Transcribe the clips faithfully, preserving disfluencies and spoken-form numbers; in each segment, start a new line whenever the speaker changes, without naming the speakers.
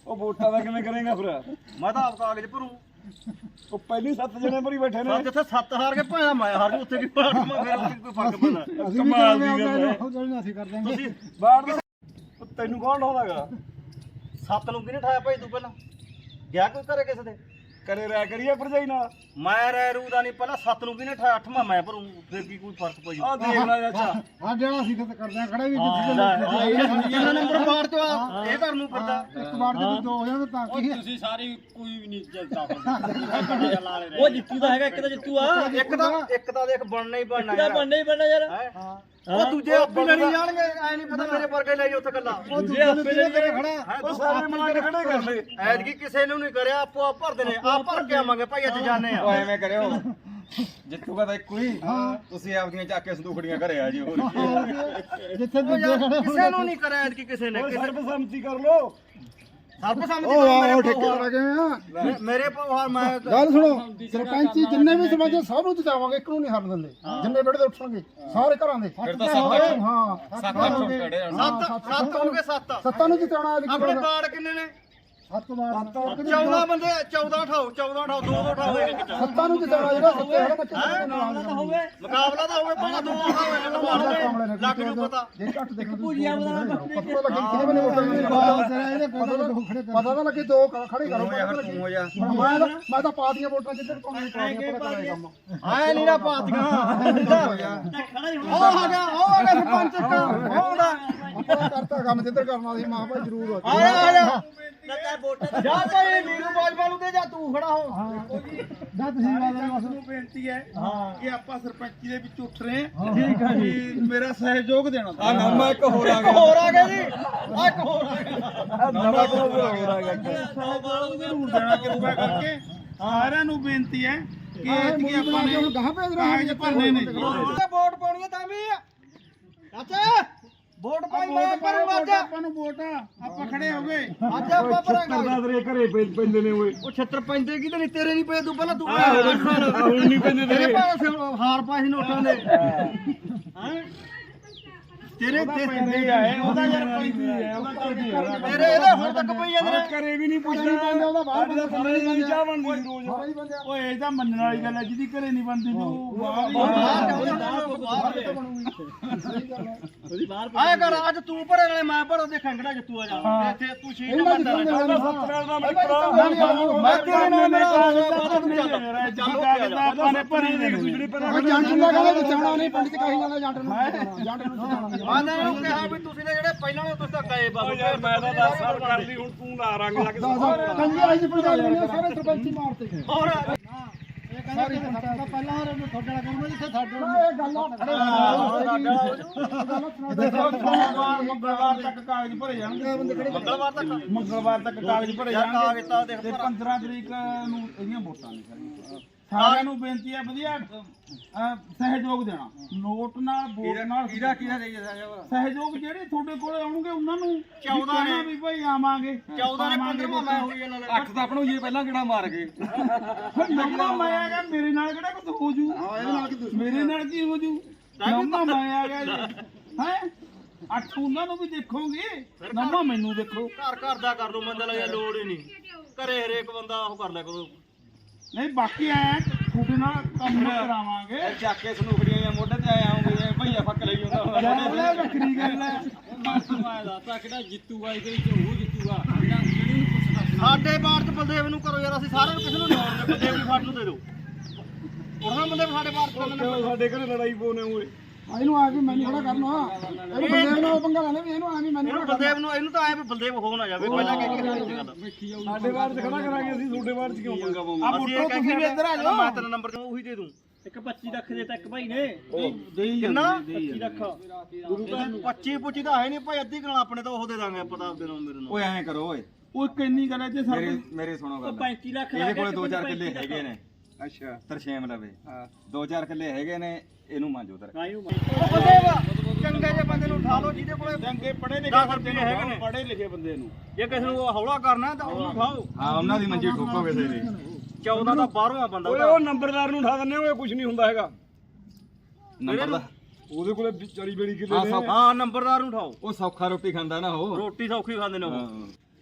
ਉਹ ਵੋਟਾਂ ਦਾ ਕਿਵੇਂ ਕਰੇਗਾ ਫਿਰ?
ਮੈਂ ਤਾਂ ਆਪ ਕਾਗਜ਼ ਭਰੂ।
ਉਹ ਪਹਿਲੀ ਸੱਤ ਜਣੇ ਭਰੀ ਬੈਠੇ ਨੇ।
ਜਿੱਥੇ ਸੱਤ ਹਾਰ ਕੇ ਭਾਵੇਂ ਮੈਂ ਹਾਰ ਜੂ ਉੱਥੇ ਕੀ ਫਰਕ ਫਿਰ ਕੋਈ ਫਰਕ ਪੈਂਦਾ।
ਕਮਾਲ ਦੀ ਗੱਲ ਹੈ।
ਅਸੀਂ ਕਰ ਦਾਂਗੇ
ਤੁਸੀਂ
ਬਾਹਰ ਦੇ ਉਹ ਤੈਨੂੰ ਕੌਣ ਲਾਉਂਦਾਗਾ?
ਸੱਤ ਨੂੰ ਕਿਹਨੇ ਠਾਇਆ ਭਾਈ ਤੂੰ ਪਹਿਲਾਂ ਗਿਆ ਕੋਈ ਘਰੇ ਕਿਸੇ ਦੇ
ਕਰੇ ਰਹਿ ਕਰੀਏ ਭਰਜਾਈ ਨਾਲ।
ਮੈਂ ਰਹਿ ਰੂ ਦਾ ਨਹੀਂ ਪਹਿਲਾਂ ਸੱਤ ਨੂੰ ਕਿਹਨੇ ਠਾਇਆ ਅੱਠਵਾਂ ਮੈਂ ਭਰੂ ਫਿਰ ਕੀ ਕੋਈ ਫਰਕ ਪਈ
ਆਹ ਦੇਖ ਲੈ ਚਾਚਾ।
ਹਾਂ ਜਿਹੜਾ ਅਸੀਂ ਤਾਂ ਕਰਦੇ ਆ ਖੜਾ ਵੀ
ਇਹਨਾਂ ਨੰਬਰ ਬਾਹਰ ਤੋਂ ਆ ਇਹ ਘਰ ਨੂੰ ਫਿਰਦਾ
ਇੱਕ ਵਾਰ ਜੇ ਦੋ ਹੋ ਜਾਣ ਤਾਂ ਕੀ
ਤੁਸੀਂ ਸਾਰੀ ਕੋਈ ਵੀ ਨਹੀਂ ਜਿੱਤਦਾ ਉਹ ਜਿੱਤੂ ਦਾ ਹੈਗਾ ਇੱਕ ਤਾਂ ਜਿੱਤੂ ਆ
ਇੱਕ ਤਾਂ ਇੱਕ ਤਾਂ ਦੇਖ ਬਣਨਾ ਹੀ ਬਣਨਾ
ਇਹਦਾ ਬਣਨਾ ਹੀ ਬਣਨਾ ਯਾਰ
ਹਾਂ ਉਹ ਦੂਜੇ ਆਪੇ ਲੈਣੀ ਜਾਣਗੇ ਐ ਨਹੀਂ ਪਤਾ ਮੇਰੇ ਵਰਗੇ ਲੈ ਜਾ ਉੱਥੇ ਗੱਲਾਂ
ਦੂਜੇ ਆਪੇ ਲੈ ਕੇ ਖੜਾ
ਉਹ ਸਾਰੇ ਮਿਲਾ ਕੇ ਖੜੇ ਕਰ ਲੈ।
ਐਤਕੀ ਕਿਸੇ ਨੂੰ ਨਹੀਂ ਕਰਿਆ ਆਪੋ ਆਪ ਭਰਦੇ ਨੇ ਆਪ ਭਰ ਕੇ ਆਵਾਂਗੇ ਭਾਈ ਅੱਜ ਜਾਣੇ ਆ
ਐਵੇਂ ਕਰਿਓ ਜਿੱਤੂਗਾ ਤਾਂ ਇੱਕੋ ਹੀ ਤੁਸੀਂ ਆਪਦੀਆਂ ਚੱਕ ਕੇ ਸੰਦੂਖੜੀਆਂ ਘਰੇ ਆ ਜਿਓ
ਜਿੱਥੇ ਦੂਜੇ ਖੜੇ
ਕਿਸੇ ਨੂੰ ਨਹੀਂ ਕਰਿਆ ਐਤਕੀ ਕਿਸੇ ਨੇ ਕਿਸੇ
ਸਰਬਸੰਮਤੀ ਕਰ ਲੋ।
ਸਰਬਸੰਮਤੀ
ਉਹ ਆਹ ਠੇਕੇ ਕਰਾ ਗਏ ਆ
ਮੇਰੇ ਪਵਾਰ ਮੈਂ
ਗੱਲ ਸੁਣੋ ਸਰਪੰਚੀ ਜਿੰਨੇ ਵੀ ਸਮਾਜ ਸਭ ਨੂੰ ਜਿਤਾਵਾਂਗੇ ਇੱਕ ਨੂੰ ਨਹੀਂ ਹਰਨ ਦਿੰਦੇ ਜਿੰਨੇ ਬੜੇ ਉੱਠਣਗੇ ਸਾਰੇ ਘਰਾਂ ਦੇ
ਫਿਰ ਤਾਂ ਸੱਤ ਅੱਠ
ਹਾਂ
ਸੱਤ ਅੱਠ ਸੌ ਖੜੇ ਆ
ਸੱਤ ਸੱਤ ਹੋਣਗੇ ਸੱਤ
ਸੱਤਾਂ ਨੂੰ ਜਿਤਾਉਣਾ
ਆਪਣੇ ਬਾੜ ਕਿੰਨੇ ਨੇ
ਸੱਤ ਵਾਰ
ਚੌਦਾਂ ਬੰਦੇ ਚੌਦਾਂ ਉਠਾਓ ਚੌਦਾਂ ਉਠਾਓ ਦੋ ਦੋ ਉਠਾਓ ਇੱਕ ਇੱਕ
ਸੱਤਾਂ ਨੂੰ ਜਿਤਾਉਣਾ ਜਿਹੜਾ ਸੱਤੇ ਹੈਗਾ ਤਾਂ ਕਿਸੇ ਨੂੰ
ਤਾਂ ਹੋਵੇ
ਮੁਕਾਬਲਾ ਤਾਂ ਹੋਵੇ ਪਹਿਲਾਂ ਦੋ ਉਠਾਓ ਲੱਗ ਨੂੰ ਪਤਾ
ਜੇ ਘੱਟ ਦੇਖ ਭੁਜੀਆ ਬਣਾ ਪਤਾ ਲੱਗੇ ਕਿਹਦੇ ਬਨੇ ਵੋਟਾਂ ਪਤਾ ਤਾਂ ਲੱਗੇ ਦੋ ਖੜੇ ਕਰੋ
ਤੂੰ ਹੋ ਜਾ
ਮੈਂ ਤਾਂ ਮੈਂ ਤਾਂ ਪਾਤੀਆਂ ਵੋਟਾਂ ਜਿੱਧਰ ਪਾਉਣੀ ਪਾਉਣੀ ਪਤਾ ਕਰੇ ਕੰਮ
ਆਏ ਨੀਰਾ ਪਾਤੀਆਂ ਉਹ ਆ ਗਿਆ ਉਹ ਆ ਗਿਆ ਸਰਪੰਚ ਉਹ ਆਉਂਦਾ
ਆਪਾਂ ਕਰਤਾ ਕੰਮ ਜਿੱਧਰ ਕਰਨਾ ਸੀ ਮਾਂ ਭਾਈ ਜ਼ਰੂਰ
ਆ ਜਾ ਆ ਜਾ ਜਾ ਭਾਈ ਨੀਰੂ ਬਾਜਵਾ ਨੂੰ ਦੇ ਜਾ ਤੂੰ ਖੜਾ ਹੋ
ਜਾ ਤੁਸੀਂ ਬਾਜ਼ਾਰ ਵਾਸਤੇ
ਨੂੰ ਬੇਨਤੀ ਹੈ ਕਿ ਆਪਾਂ ਸਰਪੰਚੀ ਦੇ ਵਿੱਚ ਉੱਠ ਰਹੇ ਹਾਂ ਠੀਕ ਹੈ ਜੀ ਮੇਰਾ ਸਹਿਯੋਗ ਦੇਣਾ
ਆ ਨਾਮਾ ਇੱਕ ਹੋਰ ਆ ਗਿਆ
ਹੋਰ ਆ ਗਿਆ ਜੀ ਆ ਇੱਕ ਹੋਰ ਆ ਗਿਆ
ਨਵਾਂ ਤੋਂ ਹੋ ਗਿਆ।
ਸੌ ਬਾਲ ਜ਼ਰੂਰ ਦੇਣਾ ਕਿਰਪਾ ਕਰਕੇ ਸਾਰਿਆਂ ਨੂੰ ਬੇਨਤੀ ਹੈ ਕਿ ਐਤਕੀ ਆਪਾਂ ਨੇ
ਗਾਹ ਭੇਜ
ਕਾਗਜ਼ ਭਰਨੇ ਨੇ
ਵੋਟ ਪਾਉਣੀ ਤਾਂ ਵੀ ਚਾਚਾ ਵੋਟ ਪਾਈ ਮੈਂ ਭਰੂੰਗਾ ਅੱਜ
ਆਪਾਂ ਨੂੰ ਵੋਟ ਆ, ਆਪਾਂ ਖੜੇ ਹੋ ਗਏ
ਅੱਜ ਆਪਾਂ ਭਰਾਂਗੇ
ਕਰਦਾ ਤੇਰੇ ਘਰੇ ਪੈ- ਪੈਂਦੇ ਨੇ ਓਏ।
ਉਹ ਛੱਤਰ ਪੈਂਦੇ ਕਿਤੇ ਨਹੀਂ ਤੇਰੇ ਨਹੀਂ ਪਏ ਤੂੰ ਪਹਿਲਾਂ ਤੂੰ
ਹੁਣ ਨਹੀਂ ਪੈਂਦੇ
ਤੇਰੇ
ਤੇਰੇ।
ਭਾਵੇਂ ਹਾਰ ਪਾਏ ਨੋਟਾਂ ਦੇ ਹੈਂ? ਤੇਰੇ
ਪੈਂਦੇ ਆਏ ਉਹਦਾ ਯਾਰ ਪੈਂਦੀ ਹੈ ਉਹਦਾ ਚੱਲਦੀ ਹੈ
ਤੇਰੇ ਇਹਦੇ ਹੁਣ ਤੱਕ ਪਈ ਜਾਂਦੇ ਨੇ
ਘਰੇ ਵੀ ਨਹੀਂ ਪੁੱਛਦਾ ਉਹਦਾ ਬਾਹਰ ਦਾ ਬੰਦੇ ਦੀ ਚਾਹ ਬਣਦੀ ਸੀ ਰੋਜ਼।
ਓਏ ਇਹ ਤਾਂ ਮੰਨਣ ਵਾਲੀ ਗੱਲ ਹੈ ਜਿਹਦੀ ਘਰੇ ਨਹੀਂ ਬਣਦੀ ਤੂੰ ਬਾਹਰ ਹੀ
ਆਏ ਕਰ ਅੱਜ ਤੂੰ ਭਰੇ ਨਾਲੇ ਮੈਂ ਭਰੋ ਦੇਖਾਂ ਕਿਹੜਾ ਜਿੱਤੂ ਆ ਜਾ ਇੱਥੇ ਤੂੰ ਛੇ ਨੰਬਰ ਤੇ
ਉਹਦਾ ਸੱਤ ਨਾਲ ਦਾ ਮਿੱਤਰ।
ਮੈਂ ਤੇਰੇ ਨਾਲ ਮੇਰਾ
ਆਪਾਂ ਨੇ ਭਰੀ ਦੇ
ਜਿਹੜੇ ਪਹਿਲਾਂ
ਜੰਟ ਨੂੰ ਕਹਿੰਦਾ ਜਿਤਾਉਣਾ ਨਹੀਂ ਪਿੰਡ ਚ ਕਹੀ ਜਾਂਦਾ ਜੰਟ ਨੂੰ ਜੰਟ ਨੂੰ ਜਿਤਾਉਣਾ
ਮੈਂ ਇਹਨਾਂ ਨੂੰ ਕਿਹਾ ਵੀ ਤੁਸੀਂ ਨੇ ਜਿਹੜੇ ਪਹਿਲਾਂ ਨੇ ਤੁਸੀਂ ਤਾਂ ਗਏ ਬਾਬੂ
ਯਾਰ ਮੈਂ ਤਾਂ ਦਸ ਸਾਲ ਕਰਦੀ ਹੁਣ ਤੂੰ ਲਾ ਰੰਗ ਲੱਗ
ਕੰਜੀ ਆਈ ਜੀ ਪੰਜਾਬ ਨੇ ਸਾਰੇ ਸਰਪੰਚੀ ਮਾਰਤੇ ਗਏ
ਹੋਰ
ਇਹ ਕਹਿੰਦਾ ਕਿ ਸਾਡਾ ਪਹਿਲਾਂ ਹੋਰ ਤੁਹਾਡੇ ਨਾਲ ਕੰਮ ਜਿੱਥੇ ਸਾਡੇ ਇਹ ਗੱਲ
ਮੰਗਲਵਾਰ ਤੱਕ ਕਾਗਜ਼ ਭਰੇ ਜਾਣਗੇ
ਮੰਗਲਵਾਰ ਤੱਕ
ਮੰਗਲਵਾਰ ਤੱਕ ਕਾਗਜ਼ ਭਰੇ
ਯਾਰ
ਜਾਣਗੇ
ਕਾਗਜ਼ ਤਾਂ ਦੇਖ
ਤੇ ਪੰਦਰਾਂ ਤਰੀਕ ਨੂੰ ਇਹਦੀਆਂ ਵੋਟਾਂ ਨੇ ਸਾਰੀਆਂ ਸਾਰਿਆਂ ਨੂੰ ਬੇਨਤੀ ਹੈ ਵਧੀਆ ਅਹ, ਸਹਿਯੋਗ ਦੇਣਾ ਨੋਟ ਨਾਲ ਵੋਟ ਨਾਲ
ਕਿਹਦਾ ਕਿਹਦਾ ਦੇਈ
ਸਹਿਯੋਗ ਜਿਹੜੇ ਤੁਹਾਡੇ ਕੋਲ ਆਉਣਗੇ ਉਹਨਾਂ ਨੂੰ
ਚੌਦਾਂ ਨੇ।
ਵੀ ਭਾਈ ਆਵਾਂਗੇ
ਚੌਦਾਂ ਨੇ ਪੰਦਰਵਾਂ ਮੈਂ ਹੋਈ ਇਹਨਾਂ ਨਾਲ
ਅੱਠ ਤਾਂ ਆਪਣੂ ਇਹ ਪਹਿਲਾਂ ਕਿਹੜਾ ਮਾਰ ਗਏ
ਨੰਮਾ ਮੈਂ ਆ ਗਿਆ ਮੇਰੇ ਨਾਲ ਕਿਹੜਾ ਕੁਝ ਹੋ ਜੂ ਮੇਰੇ ਨਾਲ ਕੀ ਹੋ ਜੂ ਨੰਮਾ ਮੈਂ ਆ ਗਿਆ ਜੀ ਹੈ ਅੱਠ ਉਹਨਾਂ ਨੂੰ ਵੀ ਦੇਖੋਗੇ ਨੰਮਾ ਮੈਨੂੰ ਦੇਖੋ
ਘਰ ਘਰ ਦਾ ਕਰ ਲਓ ਮੰਦਰ ਲੱਗਿਆ ਲੋੜ ਹੀ ਨਹੀਂ ਘਰੇ ਹਰੇਕ ਬੰਦਾ ਉਹ ਕਰ ਲਿਆ ਕਰੋ
ਨਹੀਂ ਬਾਕੀ ਆਇਆ ਤੁਹਾਡੇ ਨਾਲ ਕੰਮ ਕਰਾਵਾਂਗੇ
ਚੱਕ ਕੇ ਸੰਦੂਖੜੀਆਂ ਜਾਂ ਮੋਢੇ ਤੇ ਆਏ ਆਉਂਗੇ ਭਈਆ ਫੱਕ ਲਈ ਹੁੰਦਾ
ਲੈ ਵੱਖਰੀ ਗੱਲ ਹੈ
ਮੈਂ ਦੱਸਦਾ ਕਿਹੜਾ ਜਿੱਤੂਗਾ ਇਹਦੇ ਵਿੱਚ ਉਹ ਜਿੱਤੂਗਾ ਜਿਹੜੀ ਨੂੰ ਪੁੱਛਦਾ
ਸਾਡੇ ਬਾੜ ਚ ਬਲਦੇਵ ਨੂੰ ਕਰੋ ਯਾਰ ਅਸੀਂ ਸਾਰਿਆਂ ਨੂੰ ਕਿਸੇ ਨੂੰ ਨਹੀਂ ਆਉਣਗੇ ਬਲਦੇਵ ਨੂੰ ਫੜ ਨੂੰ ਦੇ ਦਿਓ ਉਹਨਾਂ ਬੰਦੇ ਸਾਡੇ ਬਾੜ ਚ ਕਰਨੇ ਨੇ।
ਸਾਡੇ ਘਰੇ ਲੜਾਈ ਪੋਨੇ ਓਏ।
ਇਹਨੂੰ ਆ ਕੇ ਮੈਨੂੰ ਖੜਾ ਕਰਨਾ ਇਹ ਬੰਦੇ ਨਾਲ ਪੰਗਾ ਲੈਣੇ ਵੀ ਇਹਨੂੰ ਆ ਵੀ ਮੈਨੂੰ
ਇਹਨੂੰ ਬਲਦੇਵ ਨੂੰ ਇਹਨੂੰ ਤਾਂ ਐ ਵੀ ਬਲਦੇਵ ਹੋ ਨਾ ਜਾਵੇ ਪਹਿਲਾਂ ਕਹਿ ਕੇ ਗੱਲ
ਸਾਡੇ ਬਾਹਰ ਚ ਖੜਾ ਕਰਾਂਗੇ ਅਸੀਂ ਤੁਹਾਡੇ ਬਾਹਰ ਚ ਕਿਉਂ ਪੰਗਾ ਪਾਉਂਗੇ?
ਆ ਬੁੱਟੋ ਤੁਸੀਂ ਵੀ ਇੱਧਰ ਆ ਜਾਓ
ਮੈਂ ਤੇਰਾ ਨੰਬਰ ਦਊਂ ਉਹੀ ਦੇ ਦੂੰ
ਇੱਕ ਪੱਚੀ ਲੱਖ ਦੇ ਤੱਕ ਭਾਈ ਨੇ
ਕਿੰਨਾ
ਪੱਚੀ ਲੱਖ
ਗੁਰੂ ਦਾ ਪੱਚੀ ਪੁੱਚੀ ਤਾਂ ਹੈ ਨਹੀਂ ਭਾਈ ਅੱਧੀ ਗਣਾ ਆਪਣੇ ਤਾਂ ਉਹ ਦੇ ਦਾਂਗੇ ਆਪਾਂ ਤਾਂ ਆਪਦੇ ਨਾਲ ਮੇਰੇ ਨਾਲ
ਓਏ ਐਂ ਕਰੋ ਓਏ
ਉਹ ਕਿੰਨੀ ਗੱਲ ਹੈ ਜੇ
ਮੇਰੇ
ਸਾਡੇ
ਮੇਰੇ ਸੁਣੋ
ਉਹ
ਗੱਲ
ਪੈਂਤੀ ਲੱਖ
ਇਹਦੇ ਕੋਲੇ ਦੋ ਚਾਰ ਕਿੱਲੇ ਹੈਗੇ ਨੇ
ਅੱਛਾ
ਤਰਸ਼ੇਮ ਲਵੇ ਦੋ ਚਾਰ ਕਿੱਲੇ ਹੈਗੇ ਨੇ ਇਹਨੂੰ ਮੰਜੋ ਤਰ
ਕਾਇਓ
ਉਹ ਬਲਦੇਵ ਚੰਗੇ ਜਿਹੇ ਬੰਦੇ ਨੂੰ ਉਠਾ ਲਓ ਜਿਹਦੇ ਕੋਲੇ
ਚੰਗੇ ਪੜੇ ਲਿਖੇ
ਦਸ
ਬੰਦੇ
ਰੁਪਏ ਹੈਗੇ ਨੇ।
ਪੜੇ ਲਿਖੇ ਬੰਦੇ ਨੂੰ
ਜੇ ਕਿਸੇ ਨੂੰ ਹੌਲਾ ਕਰਨਾ ਤਾਂ ਉਹਨੂੰ ਉਠਾਓ
ਹਾਂ ਉਹਨਾਂ ਦੀ ਮੰਜੀ ਠੋਕੋ ਕਿਸੇ ਦੀ
ਚੌਦਾਂ ਦਾ ਬਾਹਰੋਂ ਆ ਬੰਦਾ
ਓਏ ਉਹ ਨੰਬਰਦਾਰ ਨੂੰ ਉਠਾ ਦਿੰਨੇ ਓਏ ਕੁਝ ਨਹੀਂ ਹੁੰਦਾ ਹੈਗਾ।
ਨੰਬਰ ਦਾ
ਉਹਦੇ ਕੋਲੇ ਚਾਲੀ ਬੇੜੀ ਕਿੱਲੇ
ਹਾਂ
ਨੇ।
ਸੌਖਾ
ਹਾਂ ਨੰਬਰਦਾਰ ਨੂੰ ਉਠਾਓ
ਉਹ ਸੌਖਾ ਰੋਟੀ ਖਾਂਦਾ ਨਾ ਉਹ
ਰੋਟੀ ਸੌਖੀ ਖਾਂਦੇ ਨੇ ਉਹ
ਹਾਂ।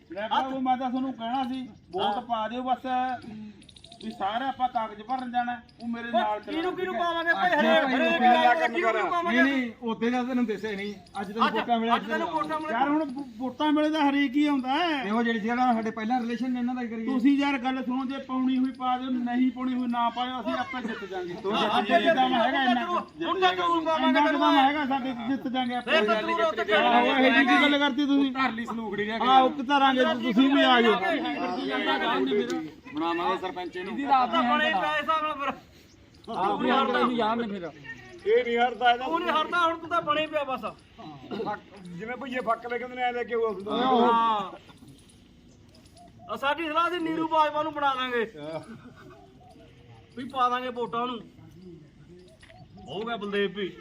ਲੈ ਭਰਾਵੋ ਮੈਂ ਤਾਂ ਤੁਹਾਨੂੰ ਕਹਿਣਾ ਸੀ ਵੋਟ ਪਾ ਦਿਓ ਬਸ ਵੀ ਸਾਰੇ ਆਪਾਂ ਕਾਗਜ਼ ਭਰਨ ਜਾਣਾ ਉਹ ਮੇਰੇ ਨਾਲ ਚੱਲੋ
ਕਿਹਨੂੰ ਕਿਹਨੂੰ ਪਾਵਾਂਗੇ ਭਾਈ ਹਰੇਕ ਹਰੇਕ ਕਿਹਨੂੰ ਕਿਹਨੂੰ ਪਾਵਾਂਗੇ
ਨਹੀਂ ਨਹੀਂ ਉਹਦੇ ਦਾ ਤੈਨੂੰ ਦੱਸਿਆ ਨਹੀਂ ਅੱਜ ਤੈਨੂੰ ਵੋਟਾਂ ਮਿਲਿਆ
ਅੱਜ ਤੈਨੂੰ ਵੋਟਾਂ ਮਿਲੇ
ਯਾਰ ਹੁਣ ਵੋ- ਵੋਟਾਂ ਵੇਲੇ ਤਾਂ ਹਰੇਕ ਹੀ ਆਉਂਦਾ ਹੈ
ਤੇ ਉਹ ਜਿਹੜੀ ਸੀ ਨਾ ਸਾਡੇ ਪਹਿਲਾਂ ਰਿਲੇਸ਼ਨ ਨੇ ਇਹਨਾਂ ਦਾ ਹੀ ਕਰੀਏ
ਤੁਸੀਂ ਯਾਰ ਗੱਲ ਸੁਣੋ ਜੇ ਪਾਉਣੀ ਹੋਈ ਪਾ ਦਿਓ ਨਹੀਂ ਪਾਉਣੀ ਹੋਈ ਨਾ ਪਾਇਓ ਅਸੀਂ ਆਪੇ ਜਿੱਤ ਜਾਾਂਗੇ ਸਾਡੇ ਚ ਦਮ ਹੈਗਾ ਇੰਨਾ ਕੁ।
ਹੁਣ ਤਾਂ ਜ਼ਰੂਰ ਪਾਵਾਂਗੇ
ਇੰਨਾ ਕੁ
ਤੈਨੂੰ
ਦਮ ਹੈਗਾ ਸਾਡੇ ਚ, ਜਿੱਤ ਜਾਾਂਗੇ ਆਪੇ
ਇਹ ਤਾਂ ਦੂਰ ਉੱਤੇ
ਆਹੋ ਇਹ ਜੀ ਕੀ ਗੱਲ ਕਰਤੀ ਤੁਸੀਂ
ਘਰ ਲਈ ਸਲੂਕੜੀ ਰਿਹਾ
ਆਹ ਉੱਕ ਤਰਾਂਗੇ ਤੁਸੀਂ ਵੀ ਆ ਜਾਓ
ਬਣਾਵਾਂਗੇ ਸਰਪੰਚ ਇਹਨੂੰ
ਬਣੇ ਪੈ ਹਿਸਾਬ ਨਾਲ ਫਿਰ
ਆਪ ਹੀ ਹਰਦਾ ਇਹਨੂੰ ਯਾਦ ਨੇ ਫਿਰ
ਇਹ ਨਹੀਂ ਹਰਦਾ ਇਹਦਾ
ਉਹ ਨਹੀਂ ਹਰਦਾ ਹੁਣ ਤੂੰ ਤਾਂ ਬਣੇ ਪਿਆ ਬਸ
ਜਿਵੇਂ ਭਈਏ ਫੱਕ ਲੈ ਕਹਿੰਦੇ ਨੇ ਐ ਲੈ ਕੇ ਉਹ
ਹਾਂ ਆ ਸਾਡੀ ਸਲਾਹ ਸੀ ਨੀਰੂ ਬਾਜਵਾ ਨੂੰ ਬਣਾ ਦਾਂਗੇ ਵੀ ਪਾ ਦਾਂਗੇ ਵੋਟਾਂ ਨੂੰ ਹੋ ਗਿਆ ਬਲਦੇਵ ਵੀ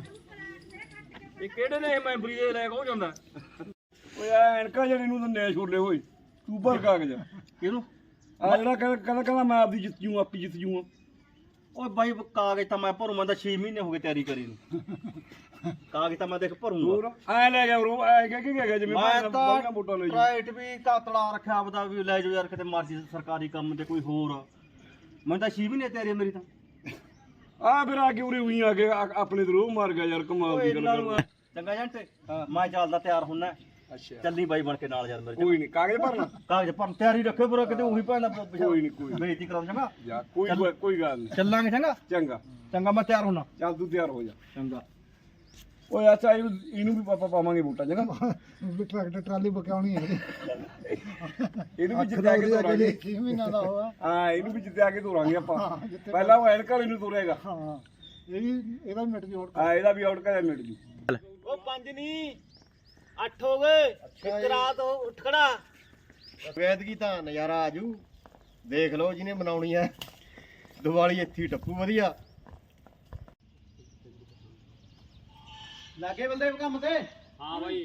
ਇਹ ਕਿਹੜੇ ਨੇ ਇਹ ਮੈਂਬਰੀ ਦੇ ਲੈ ਕੇ ਹੋ ਜਾਂਦਾ
ਓਏ ਐ ਐਨਕਾਂ ਜਿਹੜੀ ਨੂੰ ਦੰਨੇ ਛੋਲੇ ਹੋਏ ਤੂੰ ਭਰ ਕਾਗਜ਼
ਕਿਹਨੂੰ
ਆ ਜਿਹੜਾ ਕਹਿੰਦਾ ਕਹਿੰਦਾ ਕਹਿੰਦਾ ਮੈਂ ਆਪਦੀ ਜਿੱਤ ਜੂ ਆਪੀ ਜਿੱਤ ਜੂ
ਓਏ ਬਾਈ ਕਾਗਜ਼ ਤਾਂ ਮੈਂ ਭਰੂ ਮੈਂ ਤਾਂ ਛੇ ਮਹੀਨੇ ਹੋ ਗਏ ਤਿਆਰੀ ਕਰੀ ਨੂੰ ਕਾਗਜ਼ ਤਾਂ ਮੈਂ ਦੇਖ ਭਰੂੰਗਾ
ਹੋਰ ਐ ਲੈ ਗਿਆ ਉਹ ਐ ਕਹਿ ਕੇ ਗਿਆ ਜਿਵੇਂ
ਮੈਂ
ਬਾਹਰ
ਤਾਂ
ਵੋਟਾਂ ਲੈ ਜੂ
ਪ੍ਰਾਈਵੇਟ ਵੀ ਕਾਤਲਾ ਰੱਖਿਆ ਆਪਦਾ ਵੀ ਲੈ ਜਾਓ ਯਾਰ ਕਿਤੇ ਮਰਜ਼ੀ ਸਰਕਾਰੀ ਕੰਮ ਤੇ ਕੋਈ ਹੋਰ ਮੈਂ ਤਾਂ ਛੇ ਮਹੀਨੇ ਤਿਆਰੀ ਆ ਮੇਰੀ ਤਾਂ
ਆ ਫਿਰ ਆ ਕੇ ਉਰੇ ਉਹੀ ਆ ਕੇ ਆ- ਆਪਣੇ ਤੇ ਰੋਹ ਮਾਰ ਗਿਆ ਯਾਰ ਕਮਾਲ ਦੀ ਗੱਲ ਕਰ
ਚੰਗਾ ਜੰਟ ਮੈਂ ਚੱਲਦਾ ਤਿਆਰ ਹੁੰਨਾ
ਅੱਛਾ
ਚੱਲੀ ਬਾਈ ਬਣ ਕੇ ਨਾਲ ਯਾਰ ਮੇਰੇ
ਕੋਈ ਨਹੀਂ ਕਾਗਜ਼ ਭਰਨਾ
ਕਾਗਜ਼ ਭਰਨ ਤਿਆਰੀ ਰੱਖਿਓ ਪੂਰਾ ਕਿਤੇ ਉਹੀ ਭੈਣ ਦਾ
ਕੋਈ ਨਹੀਂ ਕੋਈ
ਬੇਇੱਜ਼ਤੀ ਕਰਾਉਂ ਚੰਗਾ
ਜਾ ਕੋਈ ਕੋਈ ਗੱਲ ਨਹੀਂ
ਚੱਲਾਂਗੇ ਚੰਗਾ
ਚੰਗਾ
ਚੰਗਾ ਮੈਂ ਤਿਆਰ ਹੁੰਨਾ
ਚੱਲ ਤੂੰ ਤਿਆਰ ਹੋ ਜਾ
ਚੰਗਾ
ਓਏ ਅੱਛਾ ਇਹਨੂੰ ਇਹਨੂੰ ਵੀ ਪਾਪਾ ਪਾਵਾਂਗੇ ਵੋਟਾਂ ਚੰਗਾ
ਵੀ ਟਰੈਕਟਰ ਟਰਾਲੀ ਬਕਾਉਣੀ ਹੈ
ਇਹਨੂੰ ਵੀ ਜਿੱਤਿਆ ਕੇ ਤੋਰਾਂਗੇ
ਛੇ ਮਹੀਨਾ ਦਾ ਹੋਆ
ਹਾਂ ਇਹਨੂੰ ਵੀ ਜਿੱਤਿਆ ਕੇ ਤੋਰਾਂਗੇ ਆਪਾਂ ਪਹਿਲਾਂ ਉਹ ਐਨਕਾਂ ਵਾਲੇ ਨੂੰ ਤੋਰੇਗਾ
ਹਾਂ ਇਹ ਵੀ ਇਹਦਾ ਵੀ ਮਿਟ ਜੂ ਹੋਰ
ਹਾਂ ਇਹਦਾ ਵੀ ਆਊਟ ਕਰਿਆ ਮਿਲ ਜੂ
ਉਹ ਪੰਜ ਨਹੀਂ ਅੱਠ ਹੋ ਗਏ ਇੱਕ ਰਾਤ ਉੱਠ ਖੜਾ
ਵੈਦਗੀ ਤਾਂ ਨਜ਼ਾਰਾ ਆਜੂ ਦੇਖ ਲਓ ਜਿਹਨੇ ਮਨਾਉਣੀ ਹੈ ਦੀਵਾਲੀ ਇੱਥੇ ਹੀ ਟੱਪੂ ਵਧੀਆ
ਲੱਗੇ ਬੰਦੇ ਕੰਮ ਤੇ
ਹਾਂ ਬਾਈ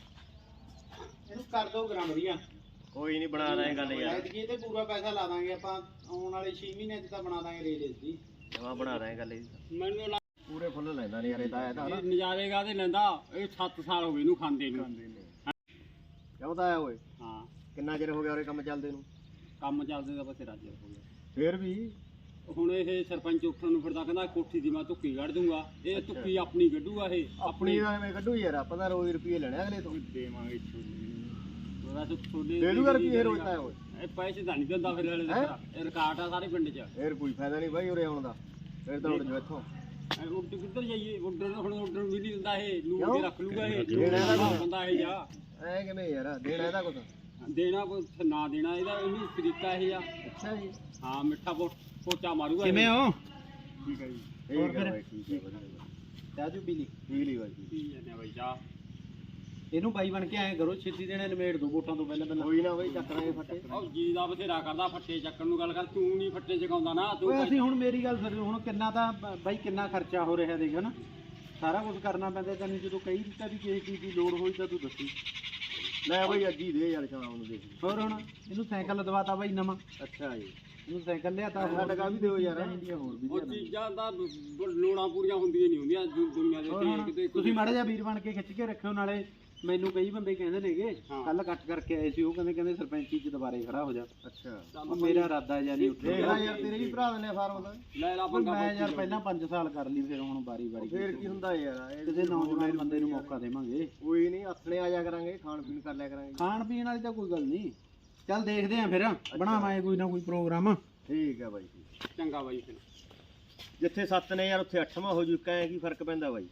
ਇਹਨੂੰ ਕਰ ਦੋ ਗ੍ਰਾਮ ਵਧੀਆ
ਕੋਈ ਨਹੀਂ ਬਣਾ ਰਹੇ ਗੱਲ ਯਾਰ
ਐਤਕੀ ਤੇ ਪੂਰਾ ਪੈਸਾ ਲਾ ਦਾਂਗੇ ਆਪਾਂ ਆਉਣ ਵਾਲੇ ਛੇ ਮਹੀਨਿਆਂ ਚ ਤਾਂ ਬਣਾ ਦਾਂਗੇ ਰੇਲ ਇਸ ਦੀ
ਜਮਾ ਬਣਾ ਰਹੇ ਗੱਲ ਇਹਦੀ
ਮੈਨੂੰ ਲੱਗ-
ਪੂਰੇ ਫੁੱਲ ਲੈਂਦਾ ਨਹੀਂ ਯਾਰ ਇਹਦਾ ਇਹਦਾ ਨਾ
ਇਹ ਨਜ਼ਾਰੇ ਕਾਹਦੇ ਲੈਂਦਾ ਇਹ ਸੱਤ ਸਾਲ ਹੋ ਗਏ ਇਹਨੂੰ ਖਾਂਦੇ ਨੂੰ
ਕਿਉਂ ਤਾਂ ਆਇਆ ਓਏ
ਹਾਂ
ਕਿੰਨਾ ਚਿਰ ਹੋ ਗਿਆ ਉਹਰੇ ਕੰਮ ਚੱਲਦੇ ਨੂੰ
ਕੰਮ ਚੱਲਦੇ ਦਾ ਬਸੇ ਰਾਜੇ ਹੋ ਗਿਆ
ਫੇਰ ਵੀ
ਹੁਣ ਇਹ ਸਰਪੰਚ ਉੱਠਣ ਨੂੰ ਫਿਰਦਾ ਕਹਿੰਦਾ ਕੋਠੀ ਦੀ ਮੈਂ ਧੁੱਕੀ ਕੱਢ ਦੂੰਗਾ ਇਹ ਧੁੱਕੀ ਆਪਣੀ ਕੱਢੂਗਾ ਇਹ
ਆਪਣੀ
ਆਪਣੀ
ਦਾ ਐਵੇਂ ਕੱਢੂ ਯਾਰ ਆਪਾਂ ਤਾਂ ਰੋਜ਼ ਰੁਪਏ ਲੈਣੇ ਅਗਲੇ ਤੋਂ
ਦੇਵਾਂਗੇ ਉਹਦਾ ਤਾਂ ਛੋਲੇ
ਦੇ ਦੂਗਾ ਰੁਪਏ ਰੋਜ਼ ਤਾਂ ਓਏ
ਇਹ ਪੈਸੇ ਤਾਂ ਨਹੀਂ ਦਿੰਦਾ ਫਿਰ ਹਲੇ ਇਹ ਰਿਕਾਰਡ ਆ ਸਾਰੇ ਪਿੰਡ 'ਚ
ਫੇਰ ਕੋਈ ਫਾਇਦਾ ਨਹੀਂ ਬਾਈ ਉਰੇ ਆਉਣ ਦਾ ਫੇਰ ਤਾਂ ਉੱਡ ਜਾ ਇੱਥੋਂ
ਇਹ ਉੱਡ ਕਿੱਧਰ ਜਾਈਏ ਉੱਡਣ ਹੁਣ ਉੱਡਣ ਵੀ ਨਹੀਂ ਦਿੰਦਾ ਇਹ ਲੂ
ਕਿਉਂ?
ਕੇ ਰੱਖ ਲੂਗਾ ਇਹ
ਦੇਣਾ ਇਹਦਾ ਕੋਈ।
ਬੰਦਾ ਇਹ ਜਾ
ਐ ਕਿਵੇਂ ਯਾਰ ਦੇਣਾ ਇਹਦਾ ਕੁਛ
ਦੇਣਾ ਕੁਛ ਨਾ ਦੇਣਾ ਇਹਦਾ ਇਹਨੂੰ ਤਰੀਕਾ ਇਹ ਆ
ਅੱਛਾ ਜੀ
ਹਾਂ ਮਿੱਠਾ ਪੋ- ਪੋਚਾ ਮਾਰੂਗਾ
ਕਿਵੇਂ ਹੋ
ਠੀਕ ਹੈ ਜੀ ਠੀਕ ਹੈ ਬਾਈ ਠੀਕ ਹੈ ਵਧੀਆ
ਚਾਜੂ ਪੀਲੀ
ਠੀਕ ਬਾਈ
ਕੀ ਜਾਂਦੇ ਆ ਬਾਈ ਜਾ
ਇਹਨੂੰ ਬਾਈ ਬਣ ਕੇ ਐਂ ਕਰੋ ਛੇਤੀ ਦੇਣੇ ਨਿਮੇੜ ਦੋ ਵੋਟਾਂ ਤੋਂ ਪਹਿਲਾਂ ਪਹਿਲਾਂ
ਕੋਈ ਨਾ ਬਾਈ ਚੱਕ ਲਾਂਗੇ ਫੱਟੇ
ਉਹ ਜੀ ਦਾ ਬਥੇਰਾ ਕਰਦਾ ਫੱਟੇ ਚੱਕਣ ਨੂੰ ਗੱਲ ਕਰ ਤੂੰ ਨਹੀਂ ਫੱਟੇ ਚਕਾਉਂਦਾ ਨਾ ਤੂੰ
ਓਏ ਅਸੀਂ ਹੁਣ ਮੇਰੀ ਗੱਲ ਸੁਣੋ ਹੁਣ ਕਿੰਨਾ ਤਾਂ ਬ- ਬਾਈ ਕਿੰਨਾ ਖਰਚਾ ਹੋ ਰਿਹਾ ਦੇਖ ਨਾ ਸਾਰਾ ਕੁਝ ਕਰਨਾ ਪੈਂਦਾ ਤੈਨੂੰ ਜਦੋਂ ਕਈ ਦਿੱਤਾ ਵੀ ਕਿਸੇ ਚੀਜ਼ ਦੀ ਲੋੜ ਹੋਈ ਤਾਂ ਤੂੰ ਦੱਸੀ
ਲੈ ਬਾਈ ਅੱਜ ਹੀ ਦੇ ਯਾਰ ਸ਼ਾਮ ਨੂੰ ਦੇਖ
ਹੋਰ ਹੁਣ ਇਹਨੂੰ ਸਾਈਕਲ ਦਵਾਤਾ ਬਾਈ ਨਵਾਂ
ਅੱਛਾ ਜੀ
ਇਹਨੂੰ ਸਾਈਕਲ ਲਿਆਤਾ
ਸਾਡਾ ਟਕਾ ਵੀ ਦਿਓ ਯਾਰ
ਹੋਰ ਵੀ
ਉਹ ਚੀਜ਼ਾਂ ਦਾ ਬ- ਬ- ਲੋੜਾਂ ਪੂਰੀਆਂ ਹੁੰਦੀਆਂ ਨਹੀਂ ਹੁੰਦੀਆਂ ਦੁ- ਦੁਨੀਆ ਦੇ
ਹੋਰ
ਤੇ
ਹੁਣ
ਕਿਤੇ
ਤੁਸੀਂ ਮਾੜਾ ਜਿਹਾ ਵੀਰ ਬਣ ਕੇ ਖਿੱਚ ਕੇ ਰੱਖਿਓ ਨਾਲੇ ਮੈਨੂੰ ਕਈ ਬੰਦੇ ਕਹਿੰਦੇ ਨੇਗੇ
ਹਾਂ।
ਕੱਲ ਕੱਟ ਕਰਕੇ ਆਏ ਸੀ ਉਹ ਕਹਿੰਦੇ ਕਹਿੰਦੇ ਸਰਪੰਚੀ ਚ ਦੁਬਾਰੇ ਖੜਾ ਹੋ ਜਾ
ਅੱਛਾ
ਉਹ ਮੇਰਾ ਇਰਾਦਾ ਜਾਂ ਨਹੀਂ
ਦੇਖ
ਉੱਠਿਆ
ਲੈ ਯਾਰ ਤੇਰੇ ਵੀ ਭਰਾ ਦਿੰਦੇ ਆ ਫਾਰਮ ਦਾ
ਲੈ ਲਾ
ਪਰ
ਪੰਗਾ
ਮੈਂ ਯਾਰ ਪਹਿਲਾਂ ਪੰਜ ਸਾਲ ਕਰ ਲਈ ਫਿਰ ਹੁਣ ਵਾਰੀ ਵਾਰੀ
ਫੇਰ ਕੀ ਹੁੰਦਾ ਯਾਰ ਇਹ
ਕਿਸੇ ਨੌਜਵਾਨ ਬੰਦੇ ਨੂੰ ਮੌਕਾ ਦੇਵਾਂਗੇ
ਕੋਈ ਨਹੀਂ ਆਥਣੇ ਆ ਜਾ ਕਰਾਂਗੇ ਖਾਣ ਪੀਣ ਕਰ ਲਿਆ ਕਰਾਂਗੇ
ਖਾਣ ਪੀਣ ਵਾਲੀ ਤਾਂ ਕੋਈ ਗੱਲ ਨਹੀਂ ਚੱਲ ਦੇਖਦੇ ਆਂ ਫਿਰ ਬਣਾਵਾਂਗੇ ਕੋਈ ਨਾ ਕੋਈ ਪ੍ਰੋਗਰਾਮ
ਠੀਕ ਹੈ ਬਾਈ
ਚੰਗਾ ਬਾਈ ਫਿਰ
ਜਿੱਥੇ ਸੱਤ ਨੇ ਯਾਰ ਉੱਥੇ ਅੱਠਵਾਂ ਹੋ ਜੂ ਕਹੇ ਕੀ ਫਰਕ ਪੈਂਦਾ ਬਾਈ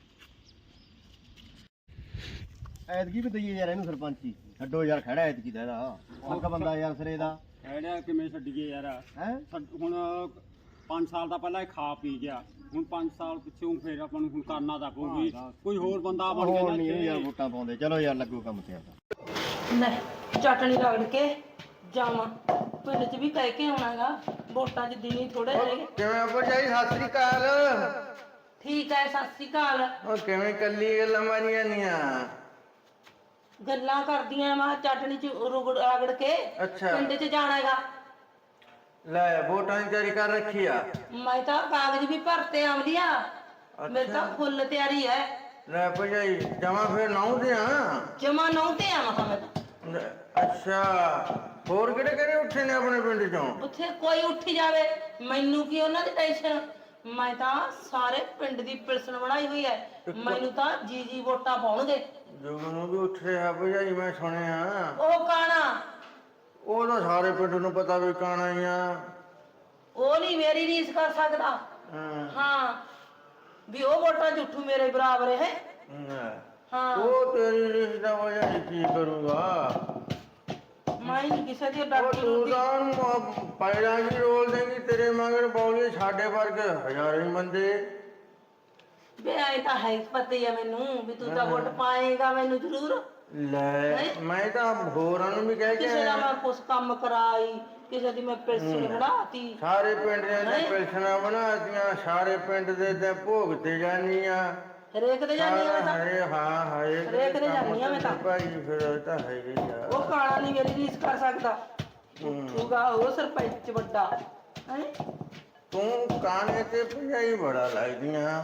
ਐਤਕੀ ਵੀ ਦਈਏ ਯਾਰ ਇਹਨੂੰ ਸਰਪੰਚੀ ਛੱਡੋ ਯਾਰ ਖੜਾ ਐਤਕੀ ਦਾ ਇਹਦਾ ਹੱਕ ਬੰਦਾ ਯਾਰ ਸਿਰੇ ਦਾ
ਐੜਾ ਕਿਵੇਂ ਛੱਡੀਏ ਯਾਰ
ਹੈ
ਸਾਡ- ਹੁਣ ਪੰਜ ਸਾਲ ਦਾ ਪਹਿਲਾਂ ਇਹ ਖਾ ਪੀ ਗਿਆ ਹੁਣ ਪੰਜ ਸਾਲ ਪਿੱਛੋਂ ਫਿਰ ਆਪਾਂ ਨੂੰ ਹੁਣ ਕਰਨਾ ਤਾਂ ਪਊਗੀ ਕੋਈ ਹੋਰ ਬੰਦਾ ਬਣ
ਹੁਣ
ਗਿਆ
ਨਹੀਂ
ਨਾ
ਯਾਰ ਵੋਟਾਂ ਪਾਉਂਦੇ ਚਲੋ ਯਾਰ ਲੱਗੋ ਕੰਮ ਤੇ ਆਪਦਾ
ਲੈ ਚਟਣੀ ਰਗੜ ਕੇ ਜਾਵਾਂ ਪਿੰਡ 'ਚ ਵੀ ਕਹਿ ਕੇ ਆਉਣਾਗਾ ਵੋਟਾਂ 'ਚ ਦਿਨੀ ਥੋੜੇ ਰਹਿ ਗਏ
ਕਿਵੇਂ ਭਰਜਾਈ ਸਤਿ ਸ੍ਰੀ ਅਕਾਲ
ਠੀਕ ਹੈ ਸਤਿ ਸ਼੍ਰੀ ਅਕਾਲ
ਉਹ ਕਿਵੇਂ ਕੱਲੀ ਗੱਲਾਂ ਮਾਰੀਆਂ ਨੀਆਂ
ਗੱਲਾਂ ਕਰਦੀਆਂ ਮੈਂ ਚਟਣੀ 'ਚ ਰੁਗੜ ਰਗੜ ਕੇ
ਅੱਛਾ
ਪਿੰਡ 'ਚ ਜਾਣਾਗਾ
ਲੈ ਵੋਟਾਂ ਦੀ ਤਿਆਰੀ ਕਰ ਰੱਖੀ ਆ
ਮੈਂ ਤਾਂ ਕਾਗਜ਼ ਵੀ ਭਰਤੇ ਆਉਂਦੀਆਂ ਮੇਰੇ ਤਾਂ ਫੁੱਲ ਤਿਆਰੀ ਹੈ
ਲੈ ਭਰਜਾਈ ਜਮਾ ਫੇਰ ਲਾਉਂਦੇ ਆ
ਜਮਾ ਨੌ ਤੇ ਆਵਾਂ ਮੈਂ ਤਾਂ
ਅੱਛਾ ਹੋਰ ਕਿਹੜੇ ਕਿਹੜੇ ਉੱਠੇ ਨੇ ਆਪਣੇ ਪਿੰਡ ਚੋਂ?
ਉੱਥੇ ਕੋਈ ਉੱਠ ਜਾਵੇ, ਮੈਨੂੰ ਕੀ ਉਹਨਾਂ ਦੀ ਟੈਨਸ਼ਨ। ਮੈਂ ਤਾਂ ਸਾਰੇ ਪਿੰਡ ਦੀ ਪਿਲਸਣ ਬਣਾਈ ਹੋਈ ਹੈ, ਮੈਨੂੰ ਤਾਂ ਜੀ ਜੀ ਵੋਟਾਂ ਪਾਉਣਗੇ।
ਜੁਗ ਨੂੰ ਵੀ ਉੱਠ ਰਿਹਾ ਭਜਾਈ, ਮੈਂ ਸੁਣਿਆ।
ਉਹ ਕਾਣਾ,
ਉਹ ਤਾਂ ਸਾਰੇ ਪਿੰਡ ਨੂੰ ਪਤਾ ਵੀ ਕਾਣਾ ਹੀ ਆ।
ਉਹ ਨਹੀਂ ਮੇਰੀ ਰੀਸ ਕਰ ਸਕਦਾ।
ਹਾਂ।
ਹਾਂ ਵੀ ਉਹ ਵੋਟਾਂ ਚ ਉੱਠੂ ਮੇਰੇ ਬਰਾਬਰ ਹੈ।
ਲੈ,
ਹਾਂ
ਉਹ ਤੇਰੀ ਰੀਸ ਦਾ ਭਜਾਈ ਕੀ ਕਰੂਗਾ?
ਮੈਂ ਨਹੀਂ ਕਿਸੇ ਦੀ
ਉਹ
ਡਰਦੀ
ਤੂੰ
ਡਰਦੀ।
ਤਾਂ ਪੈਰਾਂ ਹੀ ਰੋਲ ਦੇਂਗੀ, ਤੇਰੇ ਮਗਰ ਬੋਲੀ ਸਾਡੇ ਵਰਗੇ ਹਜ਼ਾਰਾਂ ਹੀ ਬੰਦੇ।
ਵੇ ਆਏ ਤਾਂ ਹੈ ਪਤਾ ਹੀ ਆ ਮੈਨੂੰ ਵੀ ਤੂੰ ਤਾਂ ਵੋਟ ਪਾਏਗਾ ਮੈਨੂੰ ਜ਼ਰੂਰ।
ਲੈ ਮੈਂ ਤਾਂ ਹੋਰਾਂ ਨੂੰ ਵੀ ਕਹਿ ਕੇ
ਕਿਸੇ ਦਾ
ਆਇਆ,
ਮੈਂ ਕੁਛ ਕੰਮ ਕਰਾਈ, ਕਿਸੇ ਦੀ ਮੈਂ ਪਿਲਸਣ ਬਣਾਤੀ।
ਸਾਰੇ ਪਿੰਡ ਦੇ ਤੇ ਪਿਲਸਣਾ ਬਣਾਤੀਆਂ, ਸਾਰੇ ਪਿੰਡ ਦੇ ਤੇ ਭੋਗ ਤੇ ਜਾਨੀਆਂ।
ਹਰੇਕ ਦੇ ਜਾਂਦੀ ਆ ਮੈਂ ਤਾਂ,
ਹਾਏ ਹਾਂ ਹਾਏ
ਹਰੇਕ ਦੇ ਜਾਂਦੀ ਆ ਮੈਂ ਤਾਂ।
ਭਾਈ ਫਿਰ ਉਹ ਤਾਂ ਹੈ ਹੀ ਆ।
ਉਹ ਕਾਣਾ ਨਹੀਂ ਮੇਰੀ ਰੀਸ ਕਰ ਸਕਦਾ। ਉੱਠੂਗਾ ਉਹ ਸਰਪੰਚ ਵੱਡਾ ਹੈ।
ਤੂੰ ਕਾਣੇ ਤੇ ਭਜਾਈ ਬੜਾ ਲੱਗਦੀਆਂ।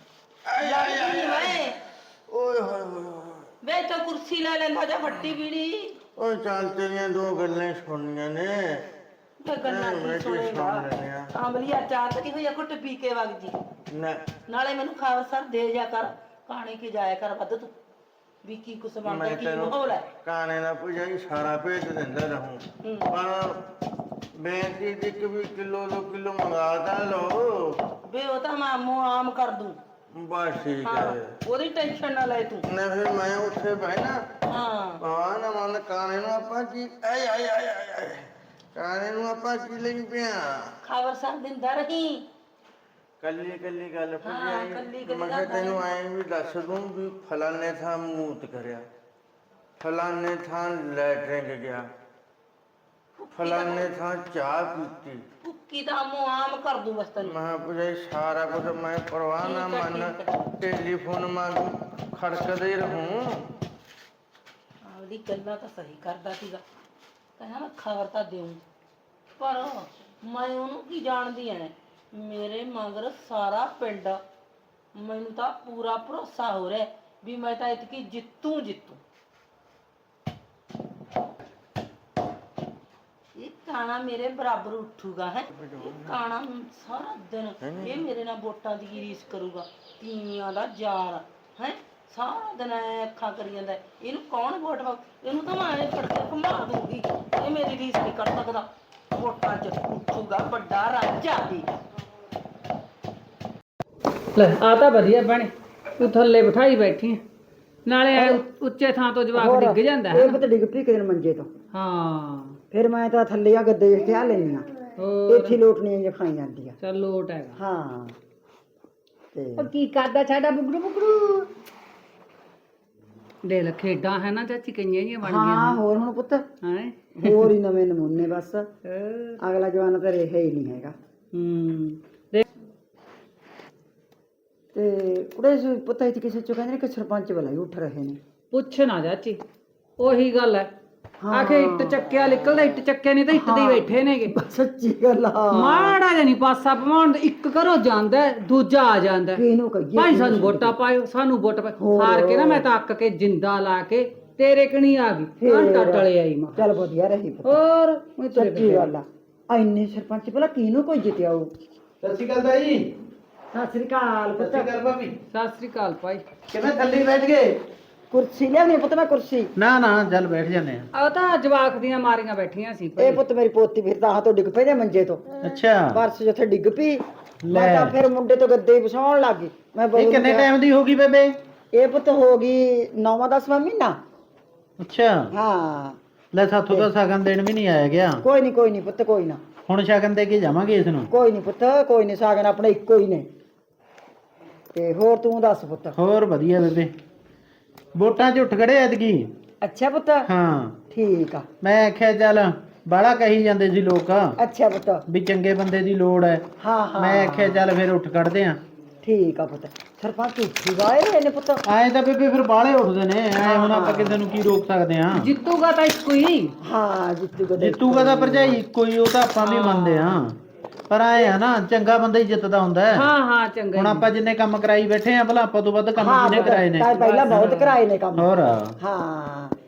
ਲੱਗਦੀ ਮੈਂ
ਓਏ ਹੋਏ ਹੋਏ ਹੋਏ।
ਵੇ ਤੋ ਕੁਰਸੀ ਲੈ ਲੈਂਦਾ ਜਾਂ ਵੱਡੀ ਬੀੜੀ।
ਓਏ ਚੱਲ ਤੇਰੀਆਂ ਦੋ ਗੱਲਾਂ ਹੀ ਸੁਣਨੀਆਂ ਨੇ।
ਤੇ ਗੱਲਾਂ ਕੀ ਸੁਣੇਗਾ? ਆਂਬਲੀਆ ਚਾਰ ਤੱਕ ਹੋਈ ਘੁੱਟ ਪੀ ਕੇ ਵਗ ਜੀ।
ਨਾ
ਨਾਲੇ ਮੈਨੂੰ ਖਾਵਰ ਸਰ ਦੇ ਜਾ ਕਰ, ਕਾਣੇ ਕੀ ਜਾਇਆ ਕਰ ਵੱਧ ਤੂੰ ਵੀ ਕੀ ਕੁਛ ਬਣਦਾ
ਮੈਂ
ਕੀ
ਤੈਨੂੰ
ਮਾਹੌਲ ਹੈ।
ਕਾਣੇ ਦਾ ਭਜਾਈ ਸਾਰਾ ਭੇਜ ਦਿੰਦਾ ਰਹੂੰ,
ਹੂੰ।
ਪਰ ਬੇਨਤੀ ਦੀ ਕਿ ਵੀ ਕਿਲੋ ਦੋ ਕਿਲੋ ਮੰਗਾ ਤਾਂ ਲਓ।
ਵੇ ਉਹ ਤਾਂ ਮੈਂ ਮੂੰਹ ਆਮ ਕਰ ਦੂੰ।
ਬਸ ਠੀਕ
ਹਾਂ
ਹੈ।
ਉਹਦੀ ਟੈਨਸ਼ਨ ਨਾ ਲੈ ਤੂੰ।
ਨਾ ਫਿਰ ਮੈਂ ਉੱਥੇ ਬਹਿਣਾ
ਹਾਂ
ਭਵਾ ਨਾ ਮਨ ਕਾਣੇ ਨੂੰ ਆਪਾਂ ਕੀ ਆਏ ਆਏ ਆਏ ਆਏ ਆਏ। ਕਾਣੇ ਨੂੰ ਆਪਾਂ ਕੀ ਲਈ ਪਿਆ?
ਖਾਵਰ ਸਰ ਦਿੰਦਾ ਰਹੀ।
ਕੱਲੀ ਕੱਲੀ ਗੱਲ
ਹਾਂ, ਕੱਲੀ ਕੱਲੀ
ਮੈਂ ਕਿਹਾ
ਗੱਲ
ਤੈਨੂੰ ਐਂ ਵੀ ਦੱਸ ਦੂੰ ਵੀ ਫਲਾਣੇ ਥਾਂ ਮੂਤ ਕਰਿਆ, ਫਲਾਣੇ ਥਾਂ ਲੈਟਰਿੰਗ ਗਿਆ, ਫਲਾਣੇ ਥਾਂ ਚਾਹ ਪੀਤੀ।
ਭੁੱਕੀ ਦਾ ਮੂੰਹ ਆਮ ਕਰ ਦੂੰ ਬਸ ਤੈਨੂੰ।
ਮੈਂ ਪੁੱਛਿਆ ਸਾਰਾ ਕੁਝ ਮੈਂ ਪਰਵਾਹ ਨਾ
ਠੀਕ ਹੈ,
ਮੰਨ,
ਠੀਕ ਹੈ।
ਟੈਲੀਫੋਨ ਮੰਗ ਖੜਕਦੇ ਹੀ ਰਹੂੰ।
ਆਪਦੀ ਗੱਲਾਂ ਤਾਂ ਸਹੀ ਕਰਦਾ ਸੀਗਾ, ਕਹਿੰਦਾ ਮੈਂ ਖਬਰ ਤਾਂ ਦੇਉਂ, ਪਰ ਮੈਂ ਉਹਨੂੰ ਕੀ ਜਾਣਦੀ ਐ। ਮੇਰੇ ਮਗਰ ਸਾਰਾ ਪਿੰਡ, ਮੈਨੂੰ ਤਾਂ ਪੂਰਾ ਭਰੋਸਾ ਹੋ ਰਿਹਾ ਵੀ ਮੈਂ ਤਾਂ ਇਤਕੀ ਜਿੱਤੂ ਜਿੱਤੂ। ਇਹ ਕਾਣਾ ਮੇਰੇ ਬਰਾਬਰ ਉੱਠੂਗਾ ਹੈ। ਕਾਣਾ ਸਾਰਾ ਦਿਨ ਇਹ ਮੇਰੇ ਨਾਲ ਵੋਟਾਂ ਦੀ ਰੀਸ ਕਰੂਗਾ, ਤੀਵੀਆਂ ਦਾ ਯਾਰ ਹੈ। ਸਾਰਾ ਦਿਨ ਐ ਅੱਖਾਂ ਕਰੀ ਜਾਂਦਾ, ਇਹਨੂੰ ਕੌਣ ਵੋਟ ਪਾ, ਇਹਨੂੰ ਤਾਂ ਮੈਂ ਐ ਫੜ ਕੇ ਘੁਮਾ ਦੂੰਗੀ। ਇਹ ਮੇਰੀ ਰੀਸ ਨਹੀਂ ਕਰ ਸਕਦਾ, ਵੋਟਾਂ 'ਚ ਉੱਠੂਗਾ ਵੱਡਾ ਰਾਜਾ ਦੀ।
ਲੈ ਆ ਤਾਂ ਵਧੀਆ ਭੈਣੇ, ਤੂੰ ਥੱਲੇ ਬਿਠਾਈ ਬੈਠੀ ਆਂ। ਨਾਲੇ ਐ ਉੱਚੇ ਥਾਂ ਤੋਂ ਜਵਾਕ ਡਿੱਗ ਜਾਂਦਾ ਹੈ
ਇਹ ਪਤਾ ਡਿੱਗ ਪਈ ਕਿਤੇ ਮੰਜੇ ਤੋਂ।
ਹਾਂ
ਫਿਰ ਮੈਂ ਤਾਂ ਥੱਲੇ ਆ ਗੱਦੇ ਜਿਹਾ ਲੈਣੀ ਆ,
ਹੋਰ
ਇੱਥੇ ਲੋਟਣੀਆਂ ਜਿਹਾ ਖਾਈ ਜਾਂਦੀ ਆ।
ਚੱਲ ਲੋਟ ਹੈਗਾ।
ਹਾਂ ਤੇ
ਉਹ ਕੀ ਕਰਦਾ ਸਾਡਾ ਬੁਗੜੂ ਬੁਗੜੂ? ਦੇ ਲੈ ਖੇਡਾਂ ਹੈ ਨਾ ਚਾਚੀ, ਕਈਆਂ ਜਿਹੀਆਂ ਬਣ ਗਈਆਂ।
ਹਾਂ ਹੋਰ ਹੁਣ ਪੁੱਤ
ਹੈ
ਹੋਰ ਹੀ ਨਵੇਂ ਨਮੂਨੇ ਬਸ। ਅਗਲਾ ਜਵਾਨ ਤਾਂ ਰਿਹਾ ਹੀ ਨਹੀਂ ਹੈਗਾ।
ਹੂੰ
ਤੇ ਉਹਦੇ ਪਤਾ ਹੀ ਕਿਸੇ ਚੋਂ ਕਹਿੰਦੇ ਨੇ ਕਿ ਸਰਪੰਚ ਵਾਲਾ ਹੀ ਉੱਠ ਰਹੇ ਨੇ।
ਪੁੱਛ ਨਾ ਚਾਚੀ, ਉਹੀ ਗੱਲ ਹੈ। ਆਖੇ ਇੱਟ ਚੱਕਿਆ ਨਿਕਲਦਾ, ਇੱਟ ਚੱਕਿਆ ਨਹੀਂ ਤਾਂ ਇੱਟ ਦੇ ਹੀ ਬੈਠੇ ਨੇਗੇ।
ਸੱਚੀ ਗੱਲ ਆ।
ਮਾੜਾ ਜਿਹਾ ਨਹੀਂ ਪਾਸਾ ਪਵਾਉਣ ਦਾ, ਇੱਕ ਘਰੋਂ ਜਾਂਦਾ ਦੂਜਾ ਆ ਜਾਂਦਾ।
ਕਿਹਨੂੰ ਕਹੀਏ
ਭਾਈ ਸਾਨੂੰ ਵੋਟਾਂ ਪਾਇਓ, ਸਾਨੂੰ ਵੋਟ ਪਾਇਓ। ਹਾਰ ਕੇ ਨਾ ਮੈਂ ਤਾਂ ਅੱਕ ਕੇ ਜਿੰਦਾ ਲਾ ਕੇ ਤੇਰੇ ਕਣੀ ਆ ਗਈ, ਘੰਟਾ ਟਲੇ ਆਈ ਮੈਂ।
ਚੱਲ ਵਧੀਆ ਰਹੀ ਪੁੱਤ।
ਹੋਰ
ਸੱਚੀ ਗੱਲ ਆ। ਐਨੇ ਸਰਪੰਚ ਭਲਾ ਕਿਹਨੂੰ ਕੋਈ ਜਿੱਤਿਆ ਉਹ?
ਸਤਿ ਸ਼੍ਰੀ ਅਕਾਲ ਤਾਈ।
ਸਤਿ ਸ੍ਰੀ ਅਕਾਲ ਪੁੱਤ।
ਸਤਿ ਸ਼੍ਰੀ ਅਕਾਲ ਭਾਬੀ।
ਸਤਿ ਸ੍ਰੀ ਅਕਾਲ ਭਾਈ।
ਕਿਵੇਂ ਥੱਲੇ ਬੈਠ ਗਏ?
ਕੁਰਸੀ ਲਿਆਉਣੀ ਪੁੱਤ, ਮੈਂ ਕੁਰਸੀ।
ਨਾ ਨਾ ਚੱਲ ਬੈਠ ਜਾਂਦੇ ਆ।
ਉਹ ਤਾਂ ਜਵਾਕ ਦੀਆਂ ਮਾਰੀਆਂ ਬੈਠੀਆਂ ਸੀ
ਇਹ ਪੁੱਤ ਮੇਰੀ ਪੋਤੀ ਫਿਰ ਤਾਂ ਤੋਂ ਡਿੱਗ ਪਈ ਨੇ ਮੰਜੇ ਤੋਂ।
ਅੱਛਾ
ਪਰਸ ਜਿੱਥੇ ਡਿੱਗ ਪਈ ਮੈਂ ਤਾਂ ਫਿਰ ਮੁੰਡੇ ਤੋਂ ਗੱਦੇ ਵਿਛਾਉਣ ਲੱਗ ਗਈ। ਮੈਂ
ਇਹ ਕਿੰਨੇ ਟਾਈਮ ਦੀ ਹੋ ਗਈ ਬੇਬੇ?
ਇਹ ਪੁੱਤ ਹੋ ਗਈ ਨੌਵਾਂ ਦਸਵਾਂ ਮਹੀਨਾ।
ਅੱਛਾ
ਹਾਂ
ਲੈ ਸਾਥੋਂ ਤਾਂ ਸ਼ਗਨ ਦੇਣ ਵੀ ਨਹੀਂ ਆਇਆ ਗਿਆ।
ਕੋਈ ਨਹੀਂ ਕੋਈ ਨਹੀਂ ਪੁੱਤ, ਕੋਈ ਨਾ।
ਹੁਣ ਸ਼ਗਨ ਦੇ ਕੇ ਜਾਵਾਂਗੇ ਇਸ ਨੂੰ।
ਕੋਈ ਨਹੀਂ ਪੁੱਤ, ਕੋਈ ਨਹੀਂ। ਸਾਗਨ ਆਪਣੇ ਇੱਕੋ ਹੀ ਨੇ। ਤੇ ਹੋਰ ਤੂੰ ਦੱਸ ਪੁੱਤ?
ਹੋਰ ਵਧੀਆ ਬੇਬੇ, ਵੋਟਾਂ 'ਚ ਉੱਠ ਖੜੇ ਐਤਕੀ।
ਅੱਛਾ ਪੁੱਤ।
ਹਾਂ
ਠੀਕ ਆ।
ਮੈਂ ਆਖਿਆ ਚੱਲ ਬਾਹਲਾ ਕਹੀ ਜਾਂਦੇ ਸੀ ਲੋਕ
ਅੱਛਾ ਪੁੱਤ।
ਵੀ ਚੰਗੇ ਬੰਦੇ ਦੀ ਲੋੜ ਹੈ।
ਹਾਂ ਹਾਂ
ਮੈਂ ਆਖਿਆ ਚੱਲ ਫਿਰ ਉੱਠ ਖੜਦੇ ਆ।
ਠੀਕ ਆ ਪੁੱਤ। ਸਰਪੰਚ ਉੱਠੀ ਵਾਏ ਨੇ ਪੁੱਤ।
ਆਏ ਤਾਂ ਬੇਬੇ ਫਿਰ ਬਾਹਲੇ ਉੱਠਦੇ ਨੇ, ਐ ਹੁਣ ਆਪਾਂ ਕਿਸੇ ਨੂੰ ਕੀ ਰੋਕ ਸਕਦੇ ਆ।
ਜਿੱਤੂਗਾ ਤਾਂ ਇੱਕੋ ਹੀ।
ਹਾਂ ਜਿੱਤੂਗਾ।
ਜਿੱਤੂਗਾ ਤਾਂ ਭਰਜਾਈ ਇੱਕੋ ਹੀ, ਉਹ ਤਾਂ ਆਪਾਂ ਵੀ ਮੰਨਦੇ ਆ। ਪਰ ਆਏ ਆ ਨਾ, ਚੰਗਾ ਬੰਦਾ ਹੀ ਜਿੱਤਦਾ ਹੁੰਦਾ ਹੈ।
ਹਾਂ ਹਾਂ ਚੰਗਾ।
ਹੁਣ ਆਪਾਂ ਜਿੰਨੇ ਕੰਮ ਕਰਾਈ ਬੈਠੇ ਆ, ਭਲਾ ਆਪਾਂ ਤੋਂ ਵੱਧ ਕੰਮ ਕਿਹਨੇ ਕਰਾਏ ਨੇ?
ਤਾਂ ਪਹਿਲਾਂ ਬਹੁਤ ਕਰਾਏ ਨੇ ਕੰਮ।
ਹੋਰ
ਹਾਂ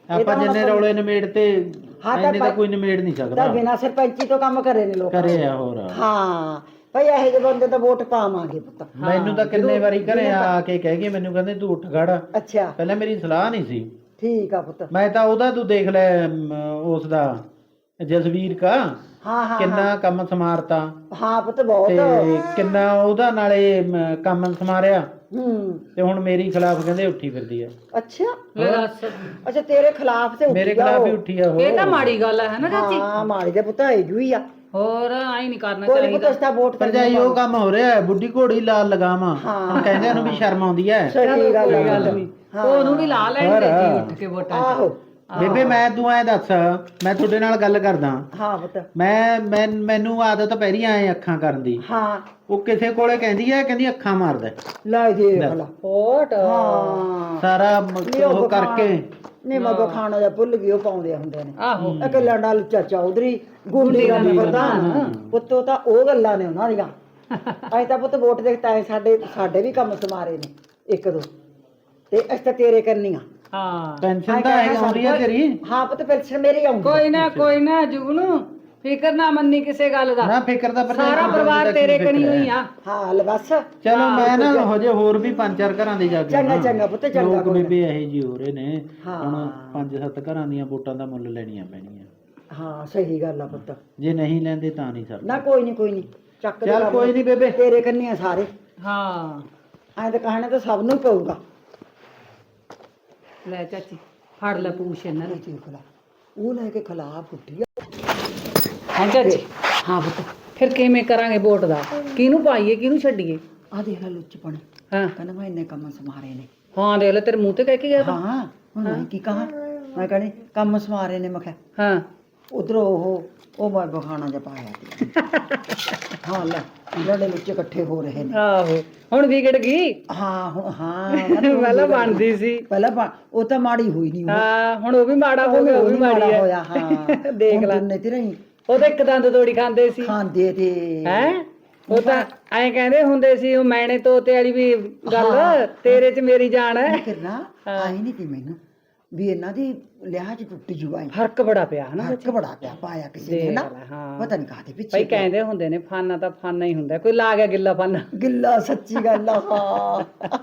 ਆਪਾਂ ਜਿੰਨੇ ਰੌਲੇ ਨਿਮੇੜ ਤੇ
ਹਾਂ ਤਾਂ
ਇੰਨੇ ਤਾਂ ਕੋਈ ਨਿਮੇੜ ਨਹੀਂ ਸਕਦਾ
ਤਾਂ ਬਿਨਾਂ ਸਰਪੰਚੀ ਤੋਂ ਕੰਮ ਕਰੇ ਨੇ ਲੋਕ
ਕਰੇ ਆ ਹੋਰ
ਹਾਂ ਭਈ ਇਹੋ ਜਿਹੇ ਬੰਦੇ ਤਾਂ ਵੋਟ ਪਾਵਾਂਗੇ ਪੁੱਤ
ਮੈਨੂੰ ਤਾਂ ਕਿੰਨੇ ਵਾਰੀ ਘਰੇ ਆ ਕੇ ਕਹਿ ਗਏ ਮੈਨੂੰ ਕਹਿੰਦੇ ਤੂੰ ਉੱਠ ਖੜ
ਅੱਛਾ
ਪਹਿਲਾਂ ਮੇਰੀ ਸਲਾਹ ਨਹੀਂ ਸੀ
ਠੀਕ ਆ ਪੁੱਤ
ਮੈਂ ਤਾਂ ਉਹਦਾ ਤੂੰ ਦੇਖ ਲੈ ਉਸ ਦਾ ਜਸਵੀਰ ਕਾ
ਹਾਂ ਹਾਂ
ਕਿੰਨਾ ਕੰਮ ਸਮਾਰਤਾ
ਹਾਂ ਪੁੱਤ ਬਹੁਤ
ਤੇ ਕਿੰਨਾ ਉਹਦਾ ਨਾਲੇ ਮ, ਕੰਮ ਸਮਾਰਿਆ
ਹੂੰ
ਤੇ ਹੁਣ ਮੇਰੀ ਖਿਲਾਫ ਕਹਿੰਦੇ ਉੱਠੀ ਫਿਰਦੀ ਆ
ਅੱਛਾ ਅੱਛਾ ਤੇਰੇ ਖਿਲਾਫ ਤੇ
ਮੇਰੇ ਖਿਲਾਫ ਹੀ ਉੱਠੀ ਆ ਉਹ
ਇਹ ਤਾਂ ਮਾੜੀ ਗੱਲ ਹੈ ਨਾ ਚਾਚੀ
ਹਾਂ ਮਾੜੀ ਦੇ ਪੁੱਤ ਹੈ ਜੂਈ ਆ
ਹੋਰ ਆਈ ਨਹੀਂ ਕਰਨਾ
ਕੋਈ
ਚਾਹੀਦਾ
ਪੁੱਤ ਇਸ ਦਾ ਵੋਟ ਕਰ
ਭਰਜਾਈ ਉਹ ਕੰਮ ਹੋ ਰਿਹਾ ਹੈ, ਬੁੱਢੀ ਘੋੜੀ ਲਾਲ ਲਗਾਵਾਂ ਹੁਣ ਕਹਿੰਦੇ ਉਹਨੂੰ ਵੀ ਸ਼ਰਮ ਆਉਂਦੀ ਹੈ
ਸਹੀ ਗੱਲ
ਕੋਈ ਗੱਲ ਨਹੀਂ ਉਹਨੂੰ ਵੀ ਲਾ ਲੈਂਦੇ ਜੀ ਉੱਠ ਕੇ ਵੋਟਾਂ 'ਚ।
ਆਹੋ
ਬੇਬੇ ਮੈਂ ਤੂੰ ਐ ਦੱਸ ਮੈਂ ਤੁਹਾਡੇ ਨਾਲ ਗੱਲ ਕਰਦਾ
ਹਾਂ ਪੁੱਤ
ਮੈਂ ਮੈਂ ਮੈਨੂੰ ਆਦਤ ਪੈ ਰਹੀ ਐ ਅੱਖਾਂ ਕਰਨ ਦੀ
ਹਾਂ
ਉਹ ਕਿਸੇ ਕੋਲੇ ਕਹਿੰਦੀ ਐ ਕਹਿੰਦੀ ਅੱਖਾਂ ਮਾਰਦਾ
ਲੈ ਦੇ ਭਲਾ
ਵੋਟ
ਹਾਂ
ਸਾਰਾ ਮ- ਉਹ ਕਰਕੇ
ਨਹੀਂ ਮਗੋ ਖਾਣਾ ਜਾਂ ਭੁੱਲ ਗਈ ਉਹ ਪਾਉਂਦੇ ਹੁੰਦੇ ਨੇ
ਆਹੋ
ਇੱਕ ਲੰਡਾ ਲੁੱਚਾ ਚੌਧਰੀ ਗੁੰਡੀ ਦਾ ਪ੍ਰਧਾਨ ਪੁੱਤੋ ਤਾਂ ਉਹ ਗੱਲਾਂ ਨੇ ਉਹਨਾਂ ਦੀਆਂ ਅਸੀਂ ਤਾਂ ਪੁੱਤ ਵੋਟ ਦੇ ਤਾਂ ਸਾਡੇ ਸਾਡੇ ਵੀ ਕੰਮ ਸਮਾਰੇ ਨੇ ਇੱਕ ਦੋ ਤੇ ਅਸੀਂ ਤਾਂ ਤੇਰੇ ਕਰਨੀਆਂ
ਹਾਂ
ਪੈਨਸ਼ਨ ਤਾਂ ਐ ਆਉਂਦੀ ਐ ਤੇਰੀ
ਹਾਂ ਪੁੱਤ ਪੈਨਸ਼ਨ ਮੇਰੀ ਆਉਂਦੀ
ਕੋਈ ਨਾ ਕੋਈ ਨਾ ਜੁਗਨੂ ਫਿਕਰ ਨਾ ਮੰਨੀ ਕਿਸੇ ਗੱਲ ਦਾ
ਨਾ ਫਿਕਰ ਦਾ ਭਰਜਾਈ
ਸਾਰਾ
ਤੈਨੂੰ
ਪਰਿਵਾਰ
ਦਾ ਕੀ
ਤੇਰੇ
ਫਿਕਰ
ਕਣੀ
ਹੈ?
ਹੋਈ ਆ
ਹਾਂ ਲੈ ਬਸ
ਚਲੋ ਮੈਂ ਨਾ ਹਜੇ ਹੋਰ ਵੀ ਪੰਜ ਚਾਰ ਘਰਾਂ ਦੇ ਜਾ ਕੇ
ਚੰਗਾ
ਆਉਣਾ।
ਚੰਗਾ ਪੁੱਤ ਚੰਗਾ
ਲੋਕ
ਕੋਈ
ਬੇਬੇ ਇਹੋ ਜਿਹੇ ਹੋ ਰਹੇ ਨੇ
ਹਾਂ।
ਹੁਣ ਪੰਜ ਸੱਤ ਘਰਾਂ ਦੀਆਂ ਵੋਟਾਂ ਦਾ ਮੁੱਲ ਲੈਣੀਆਂ ਪੈਣੀਆਂ
ਹਾਂ ਸਹੀ ਗੱਲ ਆ ਪੁੱਤ
ਜੇ ਨਹੀਂ ਲੈਂਦੇ ਤਾਂ ਨਹੀਂ ਸਰ
ਨਾ ਕੋਈ ਨਹੀਂ ਕੋਈ ਨਹੀਂ ਚੱਕ ਦੇ
ਚੱਲ
ਕੰਮ।
ਕੋਈ ਨਹੀਂ ਬੇਬੇ
ਤੇਰੇ ਕੰਨੀ ਆ ਸਾਰੇ
ਹਾਂ
ਐਂ ਤਾਂ ਕਹਿਣਾ ਤਾਂ ਸਭ ਨੂੰ ਪਊਗਾ
ਲੈ ਚਾਚੀ ਫੜ ਲੈ ਪੂਛ ਇਹਨਾਂ ਨੂੰ
ਦੇਖ ਲਾ ਉਹ ਲੈ ਕੇ ਖਿਲਾਫ ਉੱਠੀ ਆ
ਹਾਂ ਚਾਚੀ
ਹਾਂ ਪੁੱਤ
ਫਿਰ ਕਿਵੇਂ ਕਰਾਂਗੇ ਵੋਟ ਦਾ ਕਿਹਨੂੰ ਪਾਈਏ ਕਿਹਨੂੰ ਛੱਡੀਏ
ਆ ਦੇਖ ਲੈ ਲੁੱਚਪਣ
ਹਾਂ
ਕਹਿੰਦਾ ਮੈਂ ਇੰਨੇ ਕੰਮ ਸਮਾਰੇ ਨੇ
ਹਾਂ ਦੇਖ ਲੈ ਤੇਰੇ ਮੂੰਹ ਤੇ ਕਹਿ ਕੇ ਗਿਆ ਤਾਂ
ਹਾਂ ਹੁਣ ਮੈਂ ਕੀ ਕਹਾਂ ਮੈਂ ਕਹਿੰਦੀ ਕੰਮ ਸਮਾਰੇ ਨੇ ਮੈਂ ਕਿਹਾ
ਹਾਂ
ਉਧਰੋਂ ਉਹ ਉਹ ਮੈਂ ਬਖਾਣਾ ਜਿਹਾ ਪਾਇਆ ਸੀ ਹਾਂ ਲੈ ਲੜੇ ਵਿੱਚ ਇਕੱਠੇ ਹੋ ਰਹੇ ਨੇ
ਆਹੋ ਹੁਣ ਵਿਗੜ ਗਈ
ਹਾਂ ਹੁਣ ਹਾਂ
ਪਹਿਲਾਂ ਬਣਦੀ ਸੀ
ਪਹਿਲਾਂ ਬਣ- ਉਹ ਤਾਂ ਮਾੜੀ ਹੋਈ ਨਹੀਂ
ਹਾਂ ਹੁਣ ਉਹ ਵੀ ਮਾੜਾ ਹੋ ਗਿਆ ਉਹ ਵੀ ਮਾੜੀ ਹੈ
ਹੋਇਆ ਹਾਂ
ਦੇਖ ਲੈ
ਨੇ ਤੇ ਰਹੀ
ਉਹ ਤਾਂ ਇੱਕ ਦੰਦ ਤੋੜੀ ਖਾਂਦੇ ਸੀ
ਖਾਂਦੇ ਤੇ
ਹੈ ਉਹ ਤਾਂ ਐਂ ਕਹਿੰਦੇ ਹੁੰਦੇ ਸੀ ਉਹ ਮੈਨੇ ਤੋਤੇ ਵਾਲੀ ਵੀ ਗੱਲ ਤੇਰੇ 'ਚ ਮੇਰੀ ਜਾਨ ਹੈ
ਕਰਨਾ ਆਈ ਨਹੀਂ ਤੀ ਮੈਨੂੰ ਵੀ ਇਹਨਾਂ ਦੀ ਲਿਹਾਜ਼ ਟੁੱਟ ਜੂਆ
ਫਰਕ ਬੜਾ ਪਿਆ ਹਨਾ
ਹੱਕ ਬੜਾ ਪਿਆ ਪਾਇਆ ਕਿਸੇ ਨੇ ਨਾ
ਹਾਂ
ਪਤਾ ਨਹੀਂ ਕਾਹਦੇ ਪਿੱਛੇ
ਭਾਈ ਕਹਿੰਦੇ ਹੁੰਦੇ ਨੇ ਫਾਨਾ ਤਾਂ ਫਾਨਾ ਹੀ ਹੁੰਦਾ ਕੋਈ ਲਾ ਗਿਆ ਗਿੱਲਾ ਫਾਨਾ
ਗਿੱਲਾ ਸੱਚੀ ਗੱਲ ਆ ਹਾਂ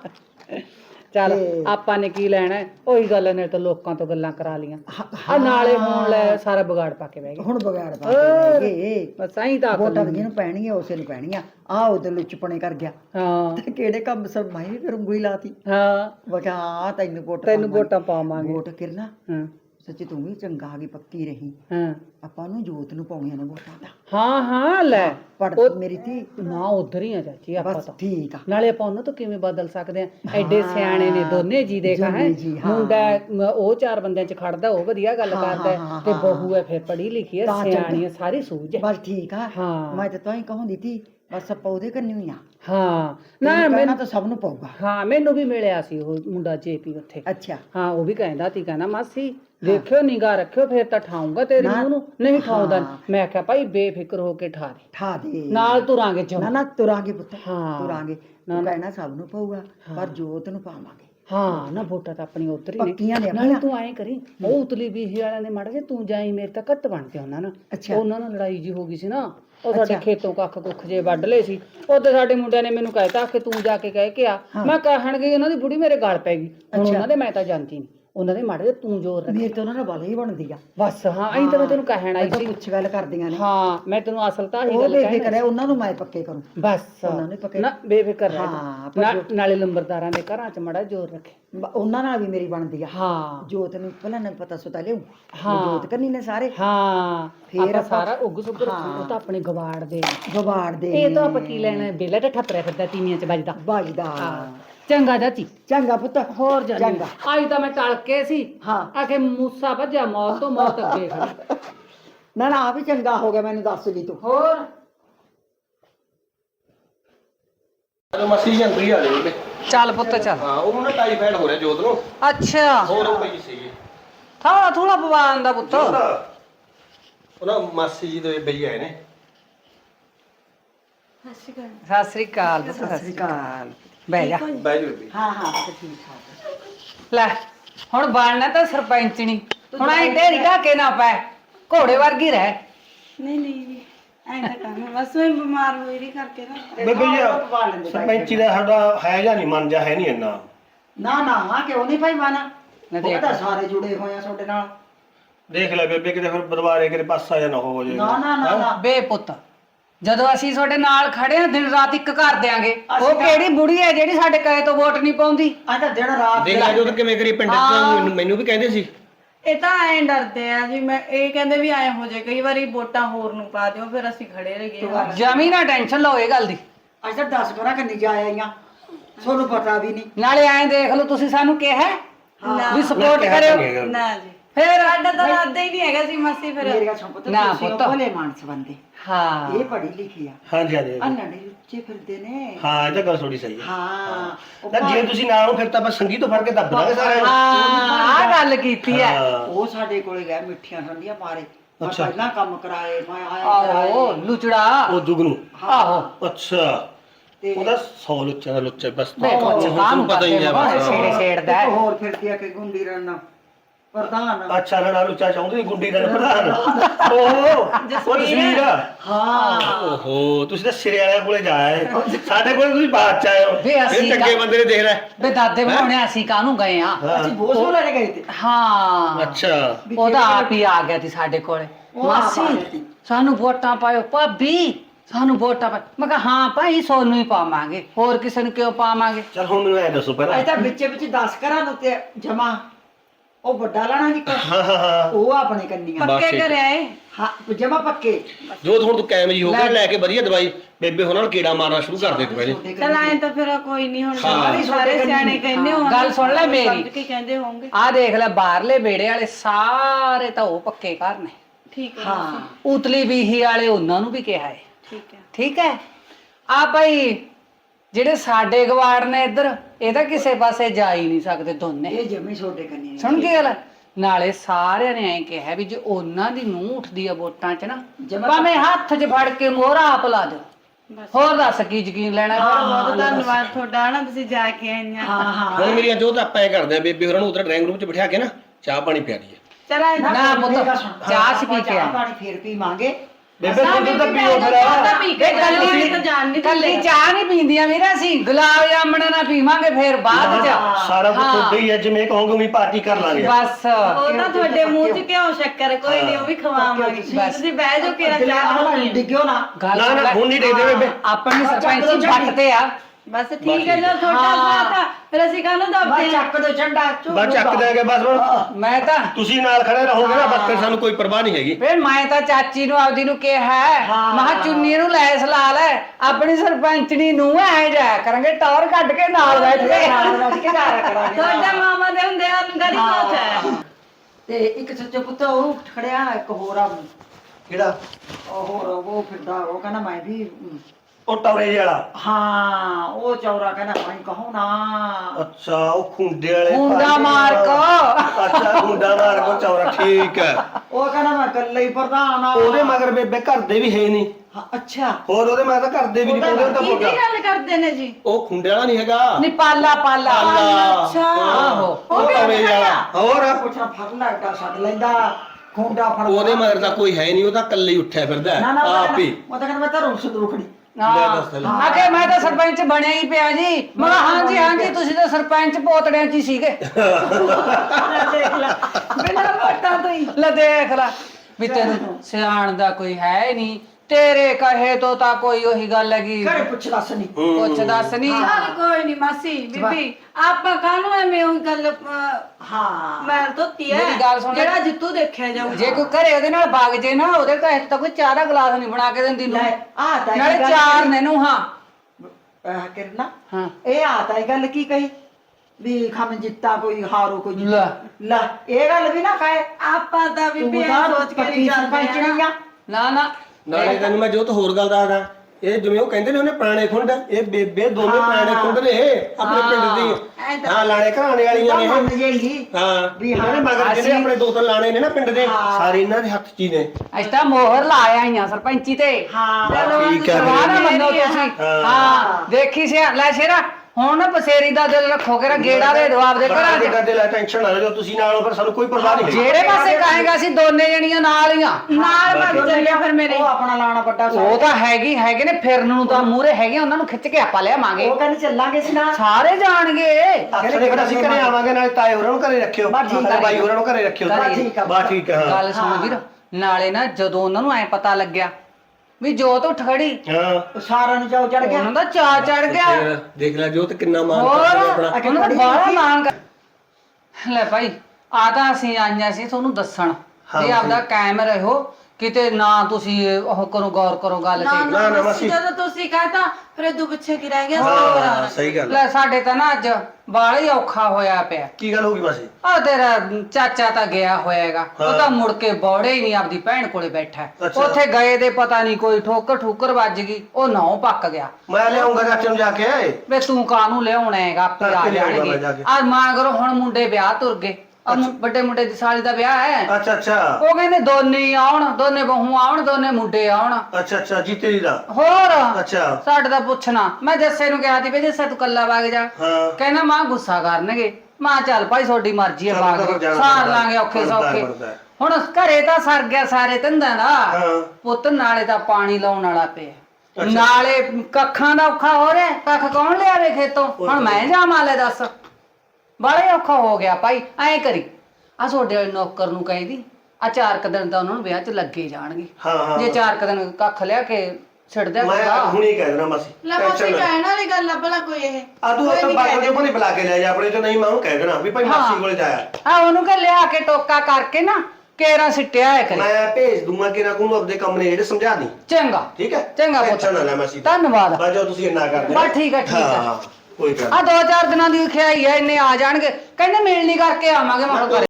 ਚੱਲ ਆਪਾਂ ਨੇ ਕੀ ਲੈਣਾ ਹੈ? ਉਹੀ ਗੱਲ ਨੇ ਤਾਂ ਲੋਕਾਂ ਤੋਂ ਗੱਲਾਂ ਕਰਾ ਲੀਆਂ ਆ ਨਾਲੇ ਹੁਣ ਲੈ ਸਾਰਾ ਵਿਗਾੜ ਪਾ ਕੇ ਬਹਿ ਗਏ
ਹੁਣ ਬਗਾੜ ਪਾ ਕੇ
ਬਸ ਐਂ ਤਾਂ
ਵੋਟਾਂ ਜਿਹਨੂੰ ਪੈਣੀਆਂ ਉਸੇ ਨੂੰ ਪੈਣੀਆਂ ਆ ਉਹਦੇ ਲੁੱਚਪਣੇ ਕਰ ਗਿਆ
ਹਾਂ
ਤੇ ਕਿਹੜੇ ਕੰਮ ਸਭ ਮੈਂ ਵੀ ਫਿਰ ਉਂਗਲੀ ਲਾਤੀ
ਹਾਂ
ਬਕਾ ਆ ਤੈਨੂੰ ਵੋਟ
ਤੈਨੂੰ ਵੋਟਾਂ ਪਾਵਾਂਗੇ
ਵੋਟ ਕਿਰਨਾ
ਹਾਂ
ਸੱਚੀ ਤੂੰ ਵੀ ਚੰਗਾ ਆ ਗਈ ਪੱਕੀ ਰਹੀ
ਹਾਂ
ਆਪਾਂ ਨੂੰ ਜੋਤ ਨੂੰ ਪਾਉਣੀਆਂ ਨੇ ਵੋਟਾਂ ਦਾ
ਹਾਂ ਹਾਂ ਲੈ
ਪੜ ਮੇਰੀ ਧੀ
ਨਾ ਉਧਰ ਹੀ ਆ ਚਾਚੀ ਆਪਾਂ
ਬਸ
ਤਾਂ
ਠੀਕ ਆ
ਨਾਲੇ ਆਪਾਂ ਉਹਨਾਂ ਤੋਂ ਕਿਵੇਂ ਬਦਲ ਸਕਦੇ ਆ ਐਡੇ ਸਿਆਣੇ ਨੇ ਦੋਨੇ ਜੀ ਦੇਖਾ ਹੈ
ਦੋਨੇ ਜੀ, ਹਾਂ।
ਮੁੰਡਾ ਮ- ਉਹ ਚਾਰ ਬੰਦਿਆਂ 'ਚ ਖੜਦਾ ਉਹ ਵਧੀਆ ਗੱਲ
ਹਾਂ,
ਕਰਦਾ ਹੈ,
ਹਾਂ,
ਤੇ
ਹਾਂ।
ਬਹੂ ਹੈ ਫਿਰ ਪੜ੍ਹੀ ਲਿਖੀ ਹੈ
ਤਾਂ
ਸਿਆਣੀ ਹੈ ਸਾਰੀ ਸੂਝ ਹੈ
ਬਸ ਠੀਕ ਆ
ਹਾਂ।
ਮੈਂ ਤਾਂ ਤਾਂ ਹੀ ਕਹੂੰਦੀ ਤੀ ਬਸ ਆਪਾਂ ਉਹਦੇ ਕੰਨੀ ਹੋਈਆਂ
ਹਾਂ ਨਾ
ਨਾ
ਮੈਨੂੰ
ਤਾਂ ਸਭ ਨੂੰ ਪਊਗਾ
ਹਾਂ ਮੈਨੂੰ ਵੀ ਮਿਲਿਆ ਸੀ ਉਹ ਮੁੰਡਾ ਜੇਪੀ ਉੱਥੇ
ਅੱਛਾ
ਹਾਂ ਉਹ ਵੀ ਕਹਿੰਦਾ ਸੀ ਕਹਿੰਦਾ ਮਾਸੀ ਦੇਖਿਓ ਨਿਗਾਹ ਰੱਖਿਓ ਫਿਰ ਤਾਂ ਠਾਉਂਗਾ ਤੇਰੇ ਮੂੰਹ ਨੂੰ ਨਹੀਂ ਠਾਉਂਦਾ ਨੀ। ਮੈਂ ਕਿਹਾ ਭਾਈ ਬੇਫਿਕਰ ਹੋ ਕੇ ਠਾ ਦੇ
ਠਾ ਦੇ
ਨਾਲ ਤੁਰਾਂਗੇ ਚੋ
ਨਾ ਨਾ ਤੁਰਾਂਗੇ ਪੁੱਤ
ਹਾਂ।
ਤੁਰਾਂਗੇ ਤੂੰ ਕਹਿਣਾ ਸਭ ਨੂੰ ਪਊਗਾ ਪਰ ਜੋਤ ਨੂੰ ਪਾਵਾਂਗੇ
ਹਾਂ ਨਾ ਵੋਟਾਂ ਤਾਂ ਆਪਣੀ ਉਧਰ ਹੀ
ਪੱਕੀਆਂ ਨੇ
ਨਾਲੇ
ਆਪਣੀਆਂ।
ਤੂੰ ਐਂ ਕਰੀ ਉਹ ਉਤਲੀ ਬੀਹੀ ਵਾਲਿਆਂ ਨੇ ਮਾੜਾ ਜੇ ਤੂੰ ਜਾਈ ਮੇਰੇ ਤਾਂ ਘੱਟ ਬਣ ਕੇ ਉਹਨਾਂ ਨਾਲ
ਅੱਛਾ।
ਉਹਨਾਂ ਨਾਲ ਲੜਾਈ ਜੀ ਹੋ ਗਈ ਸੀ ਨਾ ਉਹ ਸਾਡੇ ਖੇਤੋਂ ਕੱਖ ਕੁੱਖ ਜੇ ਵੱਢ ਲਏ ਸੀ ਉਹਦੇ ਸਾਡੇ ਮੁੰਡਿਆਂ ਨੇ ਮੈਨੂੰ ਕਹਿਤਾ ਕਿ ਤੂੰ ਜਾ ਕੇ ਕਹਿ ਕੇ ਆ ਮੈਂ ਕਹਿਣ ਗਈ ਉਹਨਾਂ ਦੀ ਬੁੜੀ ਮੇਰੇ ਗਲ ਪੈ ਗਈ ਹੁਣ ਉਹਨਾਂ ਦੇ ਮੈਂ ਤਾਂ ਜਾਂਦੀ ਨਹੀਂ ਉਹਨਾਂ ਦੇ ਮਾੜੇ ਜਿਹੇ ਤੂੰ ਜ਼ੋਰ ਰੱਖ
ਮੇਰੇ ਤਾਂ ਉਹਨਾਂ ਨਾਲ ਵਾਲਾ ਹੀ ਬਣਦੀ ਆ
ਬਸ ਹਾਂ ਐਂ ਤਾਂ ਮੈਂ ਤੈਨੂੰ ਕਹਿਣ ਆਈ ਸੀ
ਪੁੱਛ ਗੱਲ ਕਰਦੀਆਂ ਨੇ
ਹਾਂ ਮੈਂ ਤੈਨੂੰ ਅਸਲ ਤਾਂ ਹੀ
ਉਹ
ਗੱਲ
ਬੇਫਿਕਰ
ਕਹਿਣ
ਹੈ ਉਹਨਾਂ ਨੂੰ ਮੈਂ ਪੱਕੇ ਕਰੂੰ
ਬਸ
ਉਹਨਾਂ ਨੇ ਪੱਕੇ
ਨਾ ਬੇਫਿਕਰ ਰਹਿ
ਹਾਂ,
ਤੂੰ। ਨਾ- ਨਾਲੇ ਲੰਬਰਦਾਰਾਂ ਦੇ ਘਰਾਂ 'ਚ ਮਾੜਾ ਜ਼ੋਰ ਰੱਖੇ
ਬ- ਉਹਨਾਂ ਨਾਲ ਵੀ ਮੇਰੀ ਬਣਦੀ ਆ
ਹਾਂ
ਜੋਤ ਨੂੰ ਪਹਿਲਾਂ ਨਾ ਪਤਾ ਸੁਤਾ ਲਿਓ
ਹਾਂ।
ਜੋਤ ਕਰਨੀ ਨੇ ਸਾਰੇ
ਹਾਂ
ਫੇਰ
ਆਪਾਂ
ਆਪਾਂ-
ਸਾਰਾ ਉੱਗ ਸੁੱਗ ਰੱਖੂ ਉਹ ਤਾਂ ਆਪਣੇ ਗਵਾੜ ਦੇ
ਗਵਾੜ ਦੇ
ਇਹ ਤਾਂ ਆਪਾਂ ਕੀ ਲੈਣਾ ਬੇਲਾ ਤਾਂ ਠੱਪਰਿਆ ਫਿਰਦਾ ਤੀਵੀਆਂ 'ਚ ਵੱਜਦਾ
ਵੱਜਦਾ
ਚੰਗਾ ਚਾਚੀ
ਚੰਗਾ ਪੁੱਤ
ਹੋਰ ਜਾਨੀ
ਚੰਗਾ
ਆਈ ਤਾਂ ਮੈਂ ਟਲ ਕੇ ਸੀ
ਹਾਂ
ਆਖੇ ਮੂਸਾ ਭੱਜਿਆ ਮੌਤ ਤੋਂ ਮੌਤ ਅੱਗੇ ਖੜੀ
ਨਾ ਨਾ ਆ ਵੀ ਚੰਗਾ ਹੋ ਗਿਆ ਮੈਨੂੰ ਦੱਸ ਵੀ ਤੂੰ
ਹੋਰ
ਚਲੋ ਮਸੀ ਜੰਦਰੀ ਆ ਲਈ
ਚੱਲ ਪੁੱਤ ਚੱਲ
ਹਾਂ ਉਹਨੂੰ ਨਾ ਟਾਈਫਾਈਡ ਹੋ ਰਿਹਾ ਜੋਤ ਨੂੰ
ਅੱਛਾ
ਹੋਰ ਉਹ ਪਈ ਸੀਗੀ
ਥੋੜਾ ਥੋੜਾ ਪਵਾਨ ਦਾ ਪੁੱਤ
ਉਹਨਾਂ ਮਾਸੀ ਜੀ ਦੇ ਬਈ ਆਏ ਨੇ
ਸਤਿ ਸ੍ਰੀ ਅਕਾਲ
ਸਤਿ ਸ੍ਰੀ ਅਕਾਲ
ਬਹਿ ਜਾ
ਬਹਿ ਜਾਓ ਬਈ
ਹਾਂ ਹਾਂ ਪੁੱਤ ਠੀਕ ਠਾਕ
ਲੈ ਹੁਣ ਬਣਨਾ ਤਾਂ ਸਰਪੰਚਣੀ ਹੁਣ ਐ ਢੇਰੀ ਢਾਕੇ ਨਾ ਪੈ ਘੋੜੇ ਵਰਗੀ ਰਹਿ
ਨਹੀਂ ਨਹੀਂ ਐਂ ਤਾਂ ਕਰਨਾ ਬਸ ਮੈਂ ਬਿਮਾਰ ਹੋਈ ਰਹੀ ਕਰਕੇ ਨਾ
ਬੇਬੇ ਜੀ ਸਰਪੰਚੀ ਦਾ ਸਾਡਾ ਹੈ ਜਾਂ ਨਹੀਂ ਮਨ ਜਾ ਹੈ ਨਹੀਂ ਇੰਨਾ
ਨਾ ਨਾ ਕਿਉਂ ਨਹੀਂ ਭਾਈ ਮਾਨਾ ਉਹ ਤਾਂ ਸਾਰੇ ਜੁੜੇ ਹੋਏ ਆ ਤੁਹਾਡੇ ਨਾਲ
ਦੇਖ ਲੈ ਬੇਬੇ ਕਿਤੇ ਫਿਰ ਬਦਵਾਰੇ ਕਿਤੇ ਪਾਸਾ ਜਾਂ ਨਾ ਹੋ ਜਾਏ
ਨਾ ਨਾ ਨਾ ਨਾ
ਬੇ ਪੁੱਤ ਜਦੋਂ ਅਸੀਂ ਤੁਹਾਡੇ ਨਾਲ ਖੜੇ ਆ ਦਿਨ ਰਾਤ ਇੱਕ ਕਰ ਦਿਆਂਗੇ ਉਹ ਕਿਹੜੀ ਬੁੜੀ ਹੈ ਜਿਹੜੀ ਸਾਡੇ ਕਹੇ ਤੋਂ ਵੋਟ ਨਹੀਂ ਪਾਉਂਦੀ
ਆ ਤਾਂ ਦਿਨ ਰਾਤ
ਦੇਖ ਲੈ ਜੋ ਤਾਂ ਕਿਵੇਂ ਕਰੀ ਪਿੰਡ ਚ ਮੈਨੂੰ ਮੈਨੂੰ ਵੀ ਕਹਿੰਦੇ ਸੀ
ਇਹ ਤਾਂ ਐਂ ਡਰਦੇ ਆ ਜੀ ਮੈਂ ਇਹ ਕਹਿੰਦੇ ਵੀ ਐਂ ਹੋ ਜਾਏ ਕਈ ਵਾਰੀ ਵੋਟਾਂ ਹੋਰ ਨੂੰ ਪਾ ਦਿਓ ਫਿਰ ਅਸੀਂ ਖੜੇ ਰਹਿ ਗਏ
ਜਮੀ ਨਾ ਟੈਨਸ਼ਨ ਲਓ ਇਹ ਗੱਲ ਦੀ
ਅੱਜ ਤਾਂ ਦਸ ਕਰਾ ਕੰਨੀ ਜਾ ਆਈਆਂ ਤੁਹਾਨੂੰ ਪਤਾ ਵੀ ਨਹੀਂ
ਨਾਲੇ ਐਂ ਦੇਖ ਲਓ ਤੁਸੀਂ ਸਾਨੂੰ ਕਿਹਾ ਵੀ ਸਪੋਰਟ ਕਰਿਓ
ਨਾ ਜੀ
ਫਿਰ
ਸਾਡਾ ਤਾਂ ਇਰਾਦਾ ਹੀ ਨਹੀਂ ਹੈਗਾ ਸੀ ਮਾਸੀ ਫਿਰ
ਮੇਰੀਆਂ ਸੁਣ
ਨਾ
ਤੁਸੀਂ
ਪੁੱਤ।
ਭਲੇ ਮਾਨਸ ਬੰਦੇ
ਹਾਂ
ਇਹ ਪੜ੍ਹੀ ਲਿਖੀ ਆ
ਹਾਂਜੀ ਹਾਂਜੀ
ਆ ਨੜੇ ਉੱਚੇ ਫਿਰਦੇ ਨੇ
ਹਾਂ ਇਹ ਤਾਂ ਗੱਲ ਥੋੜੀ ਸਹੀ ਹੈ
ਹਾਂ ਉਹ
ਨਾ ਜੇ ਤੁਸੀਂ ਨਾਲ ਨੂੰ ਫਿਰ ਤਾਂ ਆਪਾਂ ਸੰਗੀ ਤੋਂ ਫੜ ਕੇ ਦੱਬ ਦਾਂਗੇ ਸਾਰੇ
ਹਾਂ ਆ ਗੱਲ ਕੀਤੀ ਹੈ
ਉਹ ਸਾਡੇ ਕੋਲੇ ਗਏ ਮਿੱਠੀਆਂ ਠੰਡੀਆਂ ਮਾਰੇ ਮੈਂ
ਅੱਛਾ।
ਪਹਿਲਾਂ ਕੰਮ ਕਰਾਏ ਮੈਂ ਆਇਆ
ਆਹੋ
ਕਰਾਏ
ਲੁਚੜਾ
ਉਹ ਜੁਗਨੂ
ਆਹੋ
ਅੱਛਾ
ਤੇ
ਉਹਦਾ ਸੌ ਲੁੱਚਾ ਦਾ ਲੁੱਚਾ ਬਸ
ਬੇ ਪੁੱਤ ਕਾਹਨੂੰ
ਪਤਾ ਹੀ ਹੈ ਬਸ
ਛੇੜੇ ਛੇੜਦਾ
ਇੱਕ ਹੋਰ ਫਿਰਦੀ ਆ ਕਿ ਗੁੰਡੀ ਰਣ ਪ੍ਰਧਾਨ
ਅੱਛਾ ਨਾ ਲੁੱਚਾ ਚਾਹੁੰਦੇ ਸੀ ਗੁੱਡੀ ਦਾ ਪ੍ਰਧਾਨ ਓਹ ਉਹ ਜਸਵੀਰ
ਹਾਂ
ਓਹੋ ਤੁਸੀਂ ਤਾਂ ਸਿਰੇ ਵਾਲਿਆਂ ਕੋਲੇ ਜਾਏ ਸਾਡੇ ਕੋਲੇ ਤੁਸੀਂ ਬਾਅਦ ਚ ਆਏ ਹੋ
ਵੀ ਅਸੀਂ
ਇਹ ਚੰਗੇ ਬੰਦੇ ਨੇ ਦੇਖ ਲੈ
ਬੇ ਦਾਦੇ ਬਣਾਉਣੇ ਅਸੀਂ ਕਾਹਨੂੰ ਗਏ ਆ
ਅਸੀਂ ਬਹੁਤ ਸੋਹਣੇ ਲੈ ਗਏ ਤੇ
ਹਾਂ
ਅੱਛਾ
ਉਹ ਤਾਂ ਆਪ ਹੀ ਆ ਗਿਆ ਸੀ ਸਾਡੇ ਕੋਲੇ
ਉਹ ਆਪ ਆ ਗਿਆ
ਮਾਸੀ
ਸੀ।
ਸਾਨੂੰ ਵੋਟਾਂ ਪਾਇਓ ਭਾਬੀ ਸਾਨੂੰ ਵੋਟਾਂ ਪਾ ਮੈਂ ਕਿਹਾ ਹਾਂ ਭਾਈ ਸੋਨੂੰ ਹੀ ਪਾਵਾਂਗੇ ਹੋਰ ਕਿਸੇ ਨੂੰ ਕਿਉਂ ਪਾਵਾਂਗੇ
ਚਲ ਹੁਣ ਮੈਨੂੰ ਐ ਦੱਸੋ ਪਹਿਲਾਂ
ਇਹ ਤਾਂ ਵਿੱਚੇ ਵਿੱਚ ਦਸ ਘਰਾਂ ਨੂੰ ਤੇ ਜਮਾ ਉਹ ਵੱਡਾ ਲਾਣਾ ਜੀ
ਹਾਂ ਹਾਂ ਹਾਂ
ਉਹ ਆਪਣੇ ਕੰਨੀਆਂ
ਪੱਕੇ ਘਰੇ ਆਏ
ਹਾਂ ਜਮਾ ਪੱਕੇ
ਜੋ ਹੁਣ ਤੂੰ ਕਾਇਮ ਜੀ ਹੋ ਕੇ ਲੈ ਕੇ ਵਧੀਆ ਦਵਾਈ ਬੇਬੇ ਹੋਰਾਂ ਨਾਲ ਕੀੜਾ ਮਾਰਨਾ ਸ਼ੁਰੂ ਕਰ ਦੇ ਤੂੰ ਪਹਿਲੇ
ਚਲ ਐਂ ਤਾਂ ਫਿਰ ਕੋਈ ਨਹੀਂ ਹੁਣ ਸਾਰੇ ਸਾਰੇ ਸਿਆਣੇ ਕਹਿੰਦੇ ਹੋ
ਗੱਲ ਸੁਣ ਲੈ ਮੇਰੀ
ਸਮਝ ਕੇ ਕਹਿੰਦੇ ਹੋਣਗੇ
ਆਹ ਦੇਖ ਲੈ ਬਾਹਰਲੇ ਵਿਹੜੇ ਵਾਲੇ ਸਾਰੇ ਤਾਂ ਉਹ ਪੱਕੇ ਘਰ ਨੇ
ਠੀਕ ਹੈ
ਹਾਂ
ਉਤਲੀ ਬੀਹੀ ਵਾਲੇ ਉਹਨਾਂ ਨੂੰ ਵੀ ਕਿਹਾ ਹੈ
ਠੀਕ ਹੈ
ਠੀਕ ਹੈ ਆ ਭਾਈ ਜਿਹੜੇ ਸਾਡੇ ਗਵਾੜ ਨੇ ਇੱਧਰ ਇਹ ਤਾਂ ਕਿਸੇ ਪਾਸੇ ਜਾ ਹੀ ਨਹੀਂ ਸਕਦੇ ਦੋਨੇ
ਇਹ ਜਮੀ ਛੋਟੇ ਕੰਨੀ
ਸੁਣ ਕੀ ਗੱਲ ਨਾਲੇ ਸਾਰਿਆਂ ਨੇ ਐਂ ਕਿਹਾ ਵੀ ਜੇ ਉਹਨਾਂ ਦੀ ਨੂੰਹ ਉੱਠਦੀ ਆ ਵੋਟਾਂ 'ਚ ਨਾ ਭਾਵੇਂ ਹੱਥ 'ਚ ਫੜ ਕੇ ਮੋਹਰਾ ਆਪ ਲਾ ਦਿਓ ਹੋਰ ਦੱਸ ਕੀ ਯਕੀਨ ਲੈਣਾ
ਬਹੁਤ ਧੰਨਵਾਦ ਤੁਹਾਡਾ ਨਾ ਤੁਸੀਂ ਜਾ ਕੇ ਆਈਆਂ
ਹਾਂ ਹਾਂ
ਹੁਣ ਮੇਰੀਆਂ ਜੋ ਤਾਂ ਆਪਾਂ ਐ ਕਰਦੇ ਆ ਬੇਬੇ ਹੋਰਾਂ ਨੂੰ ਉਧਰ ਡਰਾਇੰਗ ਰੂਮ 'ਚ ਬਿਠਾ ਕੇ ਨਾ ਚਾਹ ਪਾਣੀ ਪਿਆ ਦਈਏ
ਚਲ ਐਂ
ਨਾ ਪੁੱਤ ਚਾਹ ਚ ਪੀ ਕੇ
ਚਾਹ
ਆ
ਪਾਣੀ ਫੇਰ ਪੀਵਾਂਗੇ
ਬੇਬੇ ਦੁੱਧ ਤਾਂ ਪੀਓ ਫਿਰ
ਤਾਂ ਪੀ ਕੇ ਕੱਲੀ ਤਾਂ ਜਾਣ ਨਹੀਂ
ਕੱਲੀ ਚਾਹ ਨਹੀਂ ਪੀਂਦੀਆਂ ਵੀਰ ਅਸੀਂ ਗੁਲਾਬ ਜਾਮਣ ਨਾ ਪੀਵਾਂਗੇ ਫੇਰ ਬਾਅਦ 'ਚ
ਸਾਰਾ ਕੁਝ ਤੁਹਾਡੇ ਹੀ ਹੈ ਜਿਵੇਂ ਕਹੋਗੇ ਉਵੇਂ ਪਾਰਟੀ ਕਰ ਲਾਂਗੇ
ਬਸ
ਉਹ ਤਾਂ ਤੁਹਾਡੇ ਮੂੰਹ 'ਚ ਕਿਉਂ ਸ਼ੱਕਰ ਕੋਈ ਨਹੀਂ ਉਹ ਵੀ ਖਵਾਵਾਂਗੇ ਤੁਸੀਂ ਬਹਿ ਜਾਓ ਕਿਰਾ ਚਾਹ
ਹੁਣ ਡਿੱਗਿਓ ਨਾ
ਗੱਲ
ਨਾ,
ਸੁਣ
ਨਾ,
ਲੈ।
ਹੁਣ ਨਹੀਂ ਦੇਖਦੇ ਬੇਬੇ।
ਆਪਣੀ ਸਰਪੰਚੀ ਵੱਟ ਤੇ ਆ
ਬਸ ਠੀਕ ਹੈ ਜਦ ਤੁਹਾਡਾ ਸਾਥ ਆ ਫਿਰ ਅਸੀਂ ਕਾਹਨੂੰ
ਬਸ
ਦੱਬਦੇ ਆ
ਚੱਕ ਦੋ ਝੰਡਾ
ਬਸ ਚੱਕ ਦੇਗੇ ਬਸ ਬਸ।
ਮੈਂ ਤਾਂ
ਤੁਸੀਂ ਨਾਲ ਖੜੇ ਰਹੋਗੇ ਨਾ ਬਸ ਫਿਰ ਸਾਨੂੰ ਕੋਈ ਪਰਵਾਹ ਨਹੀਂ ਹੈਗੀ
ਫੇਰ ਮੈਂ ਤਾਂ ਚਾਚੀ ਨੂੰ ਆਪਦੀ ਨੂੰ ਕਿਹਾ ਮਹਾ ਚੁੰਨੀ ਨੂੰ ਲੈਸ ਲਾ ਲੈ ਆਪਣੀ ਸਰਪੰਚਣੀ ਨੂੰ ਐ ਜਾਇਆ ਕਰਾਂਗੇ ਟੌਰ ਕੱਢ ਕੇ ਨਾਲ ਬੈਠ ਕੇ
ਨਾਲ ਬੈਠ ਕੇ ਜਾਇਆ ਕਰਾਂਗੇ
ਤੁਹਾਡਾ ਮਾਮਾ ਦੇ ਹੁੰਦੇ ਆ ਗਰੀ ਸੋਚ ਹੈ
ਤੇ ਇੱਕ ਸੱਚੇ ਪੁੱਤ ਉਹ ਉੱਠ ਖੜਿਆ ਇੱਕ ਹੋਰ ਆ
ਕਿਹੜਾ
ਉਹ ਹੋਰ ਉਹ ਫਿਰਦਾ ਉਹ ਕਹਿੰਦਾ ਮੈਂ ਵੀ ਅਮ,
ਉਹ ਟੌਰੇ ਵਾਲਾ
ਹਾਂ ਉਹ ਚੌਰਾ ਕਹਿੰਦਾ ਮੈਂ ਕਹੋ ਨਾ
ਅੱਛਾ ਉਹ ਖੁੰਡੇ ਵਾਲੇ
ਖੁੰਡਾ ਮਾਰ ਕੋ
ਅੱਛਾ ਖੁੰਡਾ ਮਾਰ ਕੋ ਚੌਰਾ ਠੀਕ ਹੈ
ਉਹ ਕਹਿੰਦਾ ਮੈਂ ਇਕੱਲੇ ਹੀ ਪ੍ਰਧਾਨ ਆ
ਉਹਦੇ ਮਗਰ ਬੇਬੇ ਘਰ ਦੇ ਵੀ ਹੈ ਨਹੀਂ
ਹਾਂ, ਅੱਛਾ
ਹੋਰ ਉਹਦੇ ਮਗਰ ਤਾਂ ਘਰ ਦੇ ਵੀ ਨਹੀਂ ਉਹਦੇ ਤਾਂ
ਕਿਹਦੀ
ਮੋਟਾ
ਗੱਲ ਕਰਦੇ ਨੇ ਜੀ
ਉਹ ਖੁੰਡੇ ਵਾਲਾ ਨਹੀਂ ਹੈਗਾ
ਨੀ ਪਾਲਾ ਪਾਲਾ
ਅੱਛਾ
ਆਹੋ
ਉਹ ਟੌਰੇ ਵਾਲਾ ਹੋਰ
ਪੁੱਛਾ ਫੜ ਲੱਗਦਾ ਛੱਡ ਲੈਂਦਾ ਖੁੰਡਾ ਫੜ
ਉਹਦੇ ਮਗਰ ਤਾਂ ਕੋਈ ਹੈ ਨਹੀਂ ਉਹ ਤਾਂ ਇਕੱਲੇ ਹੀ ਉੱਠਿਆ ਫਿਰਦਾ
ਨਾ ਨਾ ਉਹ
ਆਪ ਹੀ
ਕਹਿੰਦਾ- ਉਹ ਤਾਂ ਕਹਿੰਦਾ ਮੈਂ ਤਾਂ ਰੁੱਸ ਰੁਖੜੀ
ਮੈਂ ਕਿਹਾ ਮੈਂ ਤਾਂ ਸਰਪੰਚ ਬਣਿਆ ਹੀ ਪਿਆ ਜੀ ਮੈਂ ਕਿਹਾ ਹਾਂਜੀ ਹਾਂਜੀ ਤੁਸੀਂ ਤਾਂ ਸਰਪੰਚ ਪੋਤੜਿਆਂ 'ਚ ਹੀ ਸੀਗੇ
ਦੇਖ ਲੈ ਬਿਨਾਂ ਵੋਟਾਂ ਤੋਂ ਹੀ
ਲੈ ਦੇਖ ਲੈ ਵੀ ਤੈਨੂੰ ਸਿਆਣ ਦਾ ਕੋਈ ਹੈ ਹੀ ਨਹੀਂ ਤੇਰੇ ਕਹੇ ਤੋਂ ਤਾਂ ਕੋਈ ਉਹੀ ਗੱਲ ਹੈਗੀ
ਘਰੇ ਪੁੱਛ ਦੱਸ ਨਹੀਂ
ਕੁਛ ਦੱਸ ਨਹੀਂ
ਚੱਲ ਕੋਈ ਨਹੀਂ ਮਾਸੀ ਬੀਬੀ ਆਪਾਂ ਕਾਹਨੂੰ ਐਵੇਂ ਉਹ ਗੱਲ ਅਹ,
ਹਾਂ
ਮੈਲ ਧੋਤੀ ਹੈ
ਮੇਰੀ ਗੱਲ ਸੁਣ ਲੈ।
ਜਿਹੜਾ ਜਿੱਤੂ ਦੇਖਿਆ ਜਾਊ
ਜੇ ਕੋਈ ਘਰੇ ਉਹਦੇ ਨਾਲ ਵਗ ਜੇ ਨਾ ਉਹਦੇ ਕਹੇ ਤੋਂ ਤਾਂ ਕੋਈ ਚਾਹ ਦਾ ਗਲਾਸ ਨਹੀਂ ਬਣਾ ਕੇ ਦਿੰਦੀ ਨੂੰ
ਲੈ ਆ ਤਾਂ
ਨਾਲੇ ਚਾਰ ਨੇ ਨੂੰ ਹਾਂ
ਆਹ ਕਿਰਨਾ
ਹਾਂ
ਇਹ ਆ ਤਾਂ ਇਹ ਗੱਲ ਕੀ ਕਹੀ ਵੀ ਖਮ ਜਿੱਤਾ ਕੋਈ ਹਾਰੋ ਕੋਈ ਜਿੱਤਾ।
ਲੈ
ਲੈ ਇਹ ਗੱਲ ਵੀ ਨਾ ਕਹੇ
ਆਪਾਂ ਤਾਂ ਬੀਬੀ
ਤੂੰ
ਐਂ
ਤਾਂ
ਸੋਚ ਕੇ
ਪੱਕੀ
ਨਹੀਂ ਚੱਲਦੇ
ਸਰਪੰਚਣੀ ਆ
ਨਾ ਨਾ
ਨਾਲੇ ਤੈਨੂੰ ਮੈਂ ਜੋ ਤਾਂ ਹੋਰ ਗੱਲ ਦੱਸਦਾ ਇਹ ਜਿਵੇਂ ਉਹ ਕਹਿੰਦੇ ਨੇ ਉਹਨੇ ਪੁਰਾਣੇ ਖੁੰਡ ਇਹ ਬੇਬੇ ਦੋਨੇ ਪੁਰਾਣੇ ਖੁੰਡ ਨੇ ਇਹ ਆਪਣੇ ਪਿੰਡ ਦੀ ਹਾਂ ਲਾਣੇ ਘਰਾਣੇ ਵਾਲੀਆਂ ਨੇ
ਮੰਨ
ਇਹ
ਜੇਗੀ
ਹਾਂ ਵੀ ਇਹਨਾਂ ਨੇ ਮਗਰ ਜਿਹੜੇ ਆਪਣੇ ਦੋ ਤਿੰਨ ਲਾਣੇ ਨੇ ਨਾ ਪਿੰਡ ਦੇ ਸਾਰੇ ਇਹਨਾਂ ਦੇ ਹੱਥ 'ਚ ਹੀ ਨੇ
ਅਸੀਂ ਤਾਂ ਮੋਹਰ ਲਾ ਆਈਆਂ ਸਰਪੰਚੀ ਤੇ
ਹਾਂ
ਠੀਕ ਹੈ
ਸਵਾਹ ਨਾ ਮੰਨੋ ਤੁਸੀਂ ਹਾਂ ਦੇਖੀ ਸਿਆ ਲੈ ਸ਼ੇਰਾ ਹੁਣ ਨਾ ਪਸੇਰੀ ਦਾ ਦਿਲ ਰੱਖੋ ਕਿ ਗੇੜਾ ਦੇ ਜਵਾਬ ਦੇ ਘਰਾਂ
ਬੇਟਾ
ਚ
ਦੇ ਲੈ ਟੈਨਸ਼ਨ ਨਾ ਲਓ ਤੁਸੀਂ ਨਾਲ ਹੋ ਫਿਰ ਸਾਨੂੰ ਕੋਈ ਪਰਵਾਹ ਨਹੀਂ
ਜਿਹੜੇ ਪਾਸੇ ਕਹੇਗਾ ਅਸੀਂ ਦੋਨੇ ਜਣੀਆਂ ਨਾਲ ਹੀ ਆ
ਨਾਲ ਭੱਜ ਚੱਲਿਆ ਫਿਰ ਮੇਰੇ
ਉਹ ਆਪਣਾ ਲਾਣਾ ਵੱਡਾ
ਉਹ ਤਾਂ ਹੈਗੀ ਹੈਗੇ ਨੇ ਫਿਰਨ ਨੂੰ ਤਾਂ ਮੂਹਰੇ ਹੈਗੇ ਉਹਨਾਂ ਨੂੰ ਖਿੱਚ ਕੇ ਆਪਾਂ ਲਿਆਵਾਂਗੇ
ਉਹ ਕਹਿੰਦੇ ਚੱਲਾਂਗੇ ਸੀ ਨਾਲ
ਸਾਰੇ ਜਾਣਗੇ
ਅਸਲੇ ਫਿਰ ਅਸੀਂ ਘਰੇ ਆਵਾਂਗੇ ਨਾਲ ਤਾਏ ਹੋਰਾਂ ਨੂੰ ਘਰੇ ਰੱਖਿਓ ਨਾਲੇ ਬਾਈ ਹੋਰਾਂ ਨੂੰ ਘਰੇ ਰੱਖਿਓ ਬਸ ਠੀਕ ਹੈ
ਗੱਲ ਸੁਣ ਵੀਰ ਨਾਲੇ ਨਾ ਜਦੋਂ ਉਹਨਾਂ ਨੂੰ ਐ ਪਤਾ ਲੱਗਿਆ ਵੀ ਜੋਤ ਉੱਠ ਖੜੀ
ਹਾਂ
ਸਾਰਿਆਂ ਨੂੰ ਜਾਓ ਚੜ ਗਿਆ
ਉਹਨਾਂ ਦਾ ਚਾ ਚੜ ਗਿਆ
ਦੇਖ ਲੈ ਜੋਤ ਕਿੰਨਾ ਮਾਣ
ਹੋਰ
ਕਰਦਾ ਆਪਣਾ
ਉਹਨਾਂ ਦਾ ਬਾਹਲਾ ਮਾਣ ਕਰ ਲੈ ਭਾਈ ਆ ਤਾਂ ਅਸੀਂ ਆਈਆਂ ਸੀ ਤੁਹਾਨੂੰ ਦੱਸਣ ਵੀ ਆਪਦਾ ਕਾਇਮ ਰਹੋ ਕਿਤੇ ਨਾ ਤੁਸੀਂ ਉਹ ਕਰੋ ਗੌਰ ਕਰੋ ਗੱਲ ਤੇ
ਨਾ ਨਾ ਮਾਸੀ ਜਦੋਂ ਤੁਸੀਂ ਕਹਤਾ ਫਿਰ ਦੂ ਪਿੱਛੇ ਕੀ ਰਹਿ ਗਿਆ
ਹਾਂ ਸਹੀ ਗੱਲ
ਲੈ ਸਾਡੇ ਤਾਂ ਨਾ ਅੱਜ ਬਾਹਲਾ ਹੀ ਔਖਾ ਹੋਇਆ ਪਿਆ
ਕੀ ਗੱਲ ਹੋ ਗਈ ਮਾਸੀ
ਆ ਤੇਰਾ ਚਾਚਾ ਤਾਂ ਗਿਆ ਹੋਇਆਗਾ ਉਹ ਤਾਂ ਮੁੜ ਕੇ ਬੌੜੇ ਹੀ ਨਹੀਂ ਆਪਦੀ ਭੈਣ ਕੋਲੇ ਬੈਠਾ ਉੱਥੇ ਗਏ ਦੇ ਪਤਾ ਨਹੀਂ ਕੋਈ ਠੋਕਰ ਠੂਕਰ ਵੱਜ ਗਈ ਉਹ ਨੌ ਪੱਕ ਗਿਆ
ਮੈਂ ਲਿਆਉਂਗਾ ਚਾਚੇ ਨੂੰ ਜਾ ਕੇ
ਵੇ ਤੂੰ ਕਾਹਨੂੰ ਲਿਆਉਣਾ ਹੈਗਾ ਆਪੇ ਆ ਜਾਣਗੇ ਆ ਮਾਂ ਕਰੋ ਹੁਣ ਮੁੰਡੇ ਵਿਆਹ ਤੁਰ ਗਏ ਆ ਵੱਡੇ ਮੁੰਡੇ ਦੀ ਸਾਲੀ ਦਾ ਵਿਆਹ ਹੈ
ਅੱਛਾ ਅੱਛਾ
ਉਹ ਕਹਿੰਦੇ ਦੋਨੇ ਹੀ ਆਉਣ ਦੋਨੇ ਬਹੂ ਆਉਣ ਦੋਨੇ ਮੁੰਡੇ ਆਉਣ
ਅੱਛਾ ਅੱਛਾ ਜੀਤੇ ਜੀ ਦਾ
ਹੋਰ
ਅੱਛਾ
ਸਾਡੇ ਦਾ ਪੁੱਛਣਾ ਮੈਂ ਜੱਸੇ ਨੂੰ ਕਿਹਾ ਸੀ ਵੀ ਜੱਸੇ ਤੂੰ ਕੱਲਾ ਵਗ ਜਾ
ਹਾਂ
ਕਹਿੰਦਾ ਮਾਂ ਗੁੱਸਾ ਕਰਨਗੇ ਮਾਂ ਚੱਲ ਭਾਈ ਤੁਹਾਡੀ ਮਰਜ਼ੀ ਹੈ ਬਾਗ ਸਾਰ ਲਾਂਗੇ ਔਖੇ ਸੌਖੇ ਹੁਣ ਘਰੇ ਤਾਂ ਸਰ ਗਿਆ ਸਾਰੇ ਧੰਦਾਂ ਦਾ ਪੁੱਤ ਨਾਲੇ ਤਾਂ ਪਾਣੀ ਲਾਉਣ ਵਾਲਾ ਪਿਆ ਨਾਲੇ ਕੱਖਾਂ ਦਾ ਔਖਾ ਹੋ ਰਿਹਾ ਕੱਖ ਕੌਣ ਲਿਆਵੇ ਖੇਤੋਂ ਹੁਣ ਮੈਂ ਜਾਵਾਂ ਲੈ ਦੱਸ ਬੜਾ ਹੀ ਔਖਾ ਹੋ ਗਿਆ ਭਾਈ ਐਂ ਕਰੀ ਆ ਤੁਹਾਡੇ ਵਾਲੇ ਨੌਕਰ ਨੂੰ ਕਹਿੰਦੀ ਆ ਚਾਰ ਕ ਦਿਨ ਤਾਂ ਉਹਨਾਂ ਨੂੰ ਵਿਆਹ 'ਚ ਲੱਗੇ ਜਾਣਗੇ ਜੇ ਚਾਰ ਕ ਦਿਨ ਕੱਖ ਲਿਆ ਕੇ ਛੱਡ ਦਿਆ
ਮੈਂ ਹੁਣੇ ਕਹਿ ਦੇਣਾ ਮਾਸੀ
ਲੈ ਮਾਸੀ ਕਹਿਣ ਵਾਲੀ ਗੱਲ ਆ ਭਲਾ ਕੋਈ ਇਹ
ਆ ਤੂੰ ਉੱਥੇ ਬਾਹਰ ਦੇ ਕੋਲ ਬੁਲਾ ਕੇ ਲੈ ਜਾ ਆਪਣੇ ਤੋਂ ਨਹੀਂ ਮੈਂ ਉਹਨੂੰ ਕਹਿ ਦੇਣਾ ਵੀ ਭਾਈ ਮਾਸੀ ਕੋਲੇ ਜਾਇਆ
ਆ ਉਹਨੂੰ ਕਹ ਲਿਆ ਕੇ ਟੋਕਾ ਕਰਕੇ ਨਾ ਕੇਰਾ ਸਿੱਟਿਆ ਹੈ ਕਰੇ
ਮੈਂ ਭੇਜ ਦੂੰਗਾ ਕਿ ਨਾ ਕੋਨੂੰ ਆਪਣੇ ਕੰਮ ਨੇ ਜਿਹੜੇ ਸਮਝਾ ਦੀ
ਚੰਗਾ
ਠੀਕ ਹੈ
ਚੰਗਾ ਪੁੱਤ
ਟੈਨਸ਼ਨ ਨਾ ਲੈ ਮਾਸੀ
ਧੰਨਵਾਦ
ਬਸ ਜੋ ਤੁਸੀਂ ਇੰਨਾ ਕਰਦੇ
ਬਸ ਠੀਕ ਹੈ ਠੀਕ ਹੈ
ਹਾਂ ਕੋਈ ਗੱਲ
ਆ ਦੋ ਚਾਰ ਦਿਨਾਂ ਦੀ ਖਿਆਈ ਹੈ ਇੰਨੇ ਆ ਜਾਣਗੇ ਕਹਿੰਦੇ ਮਿਲਣੀ ਕਰਕੇ ਆਵਾਂਗੇ ਮੈਂ ਕਿਹਾ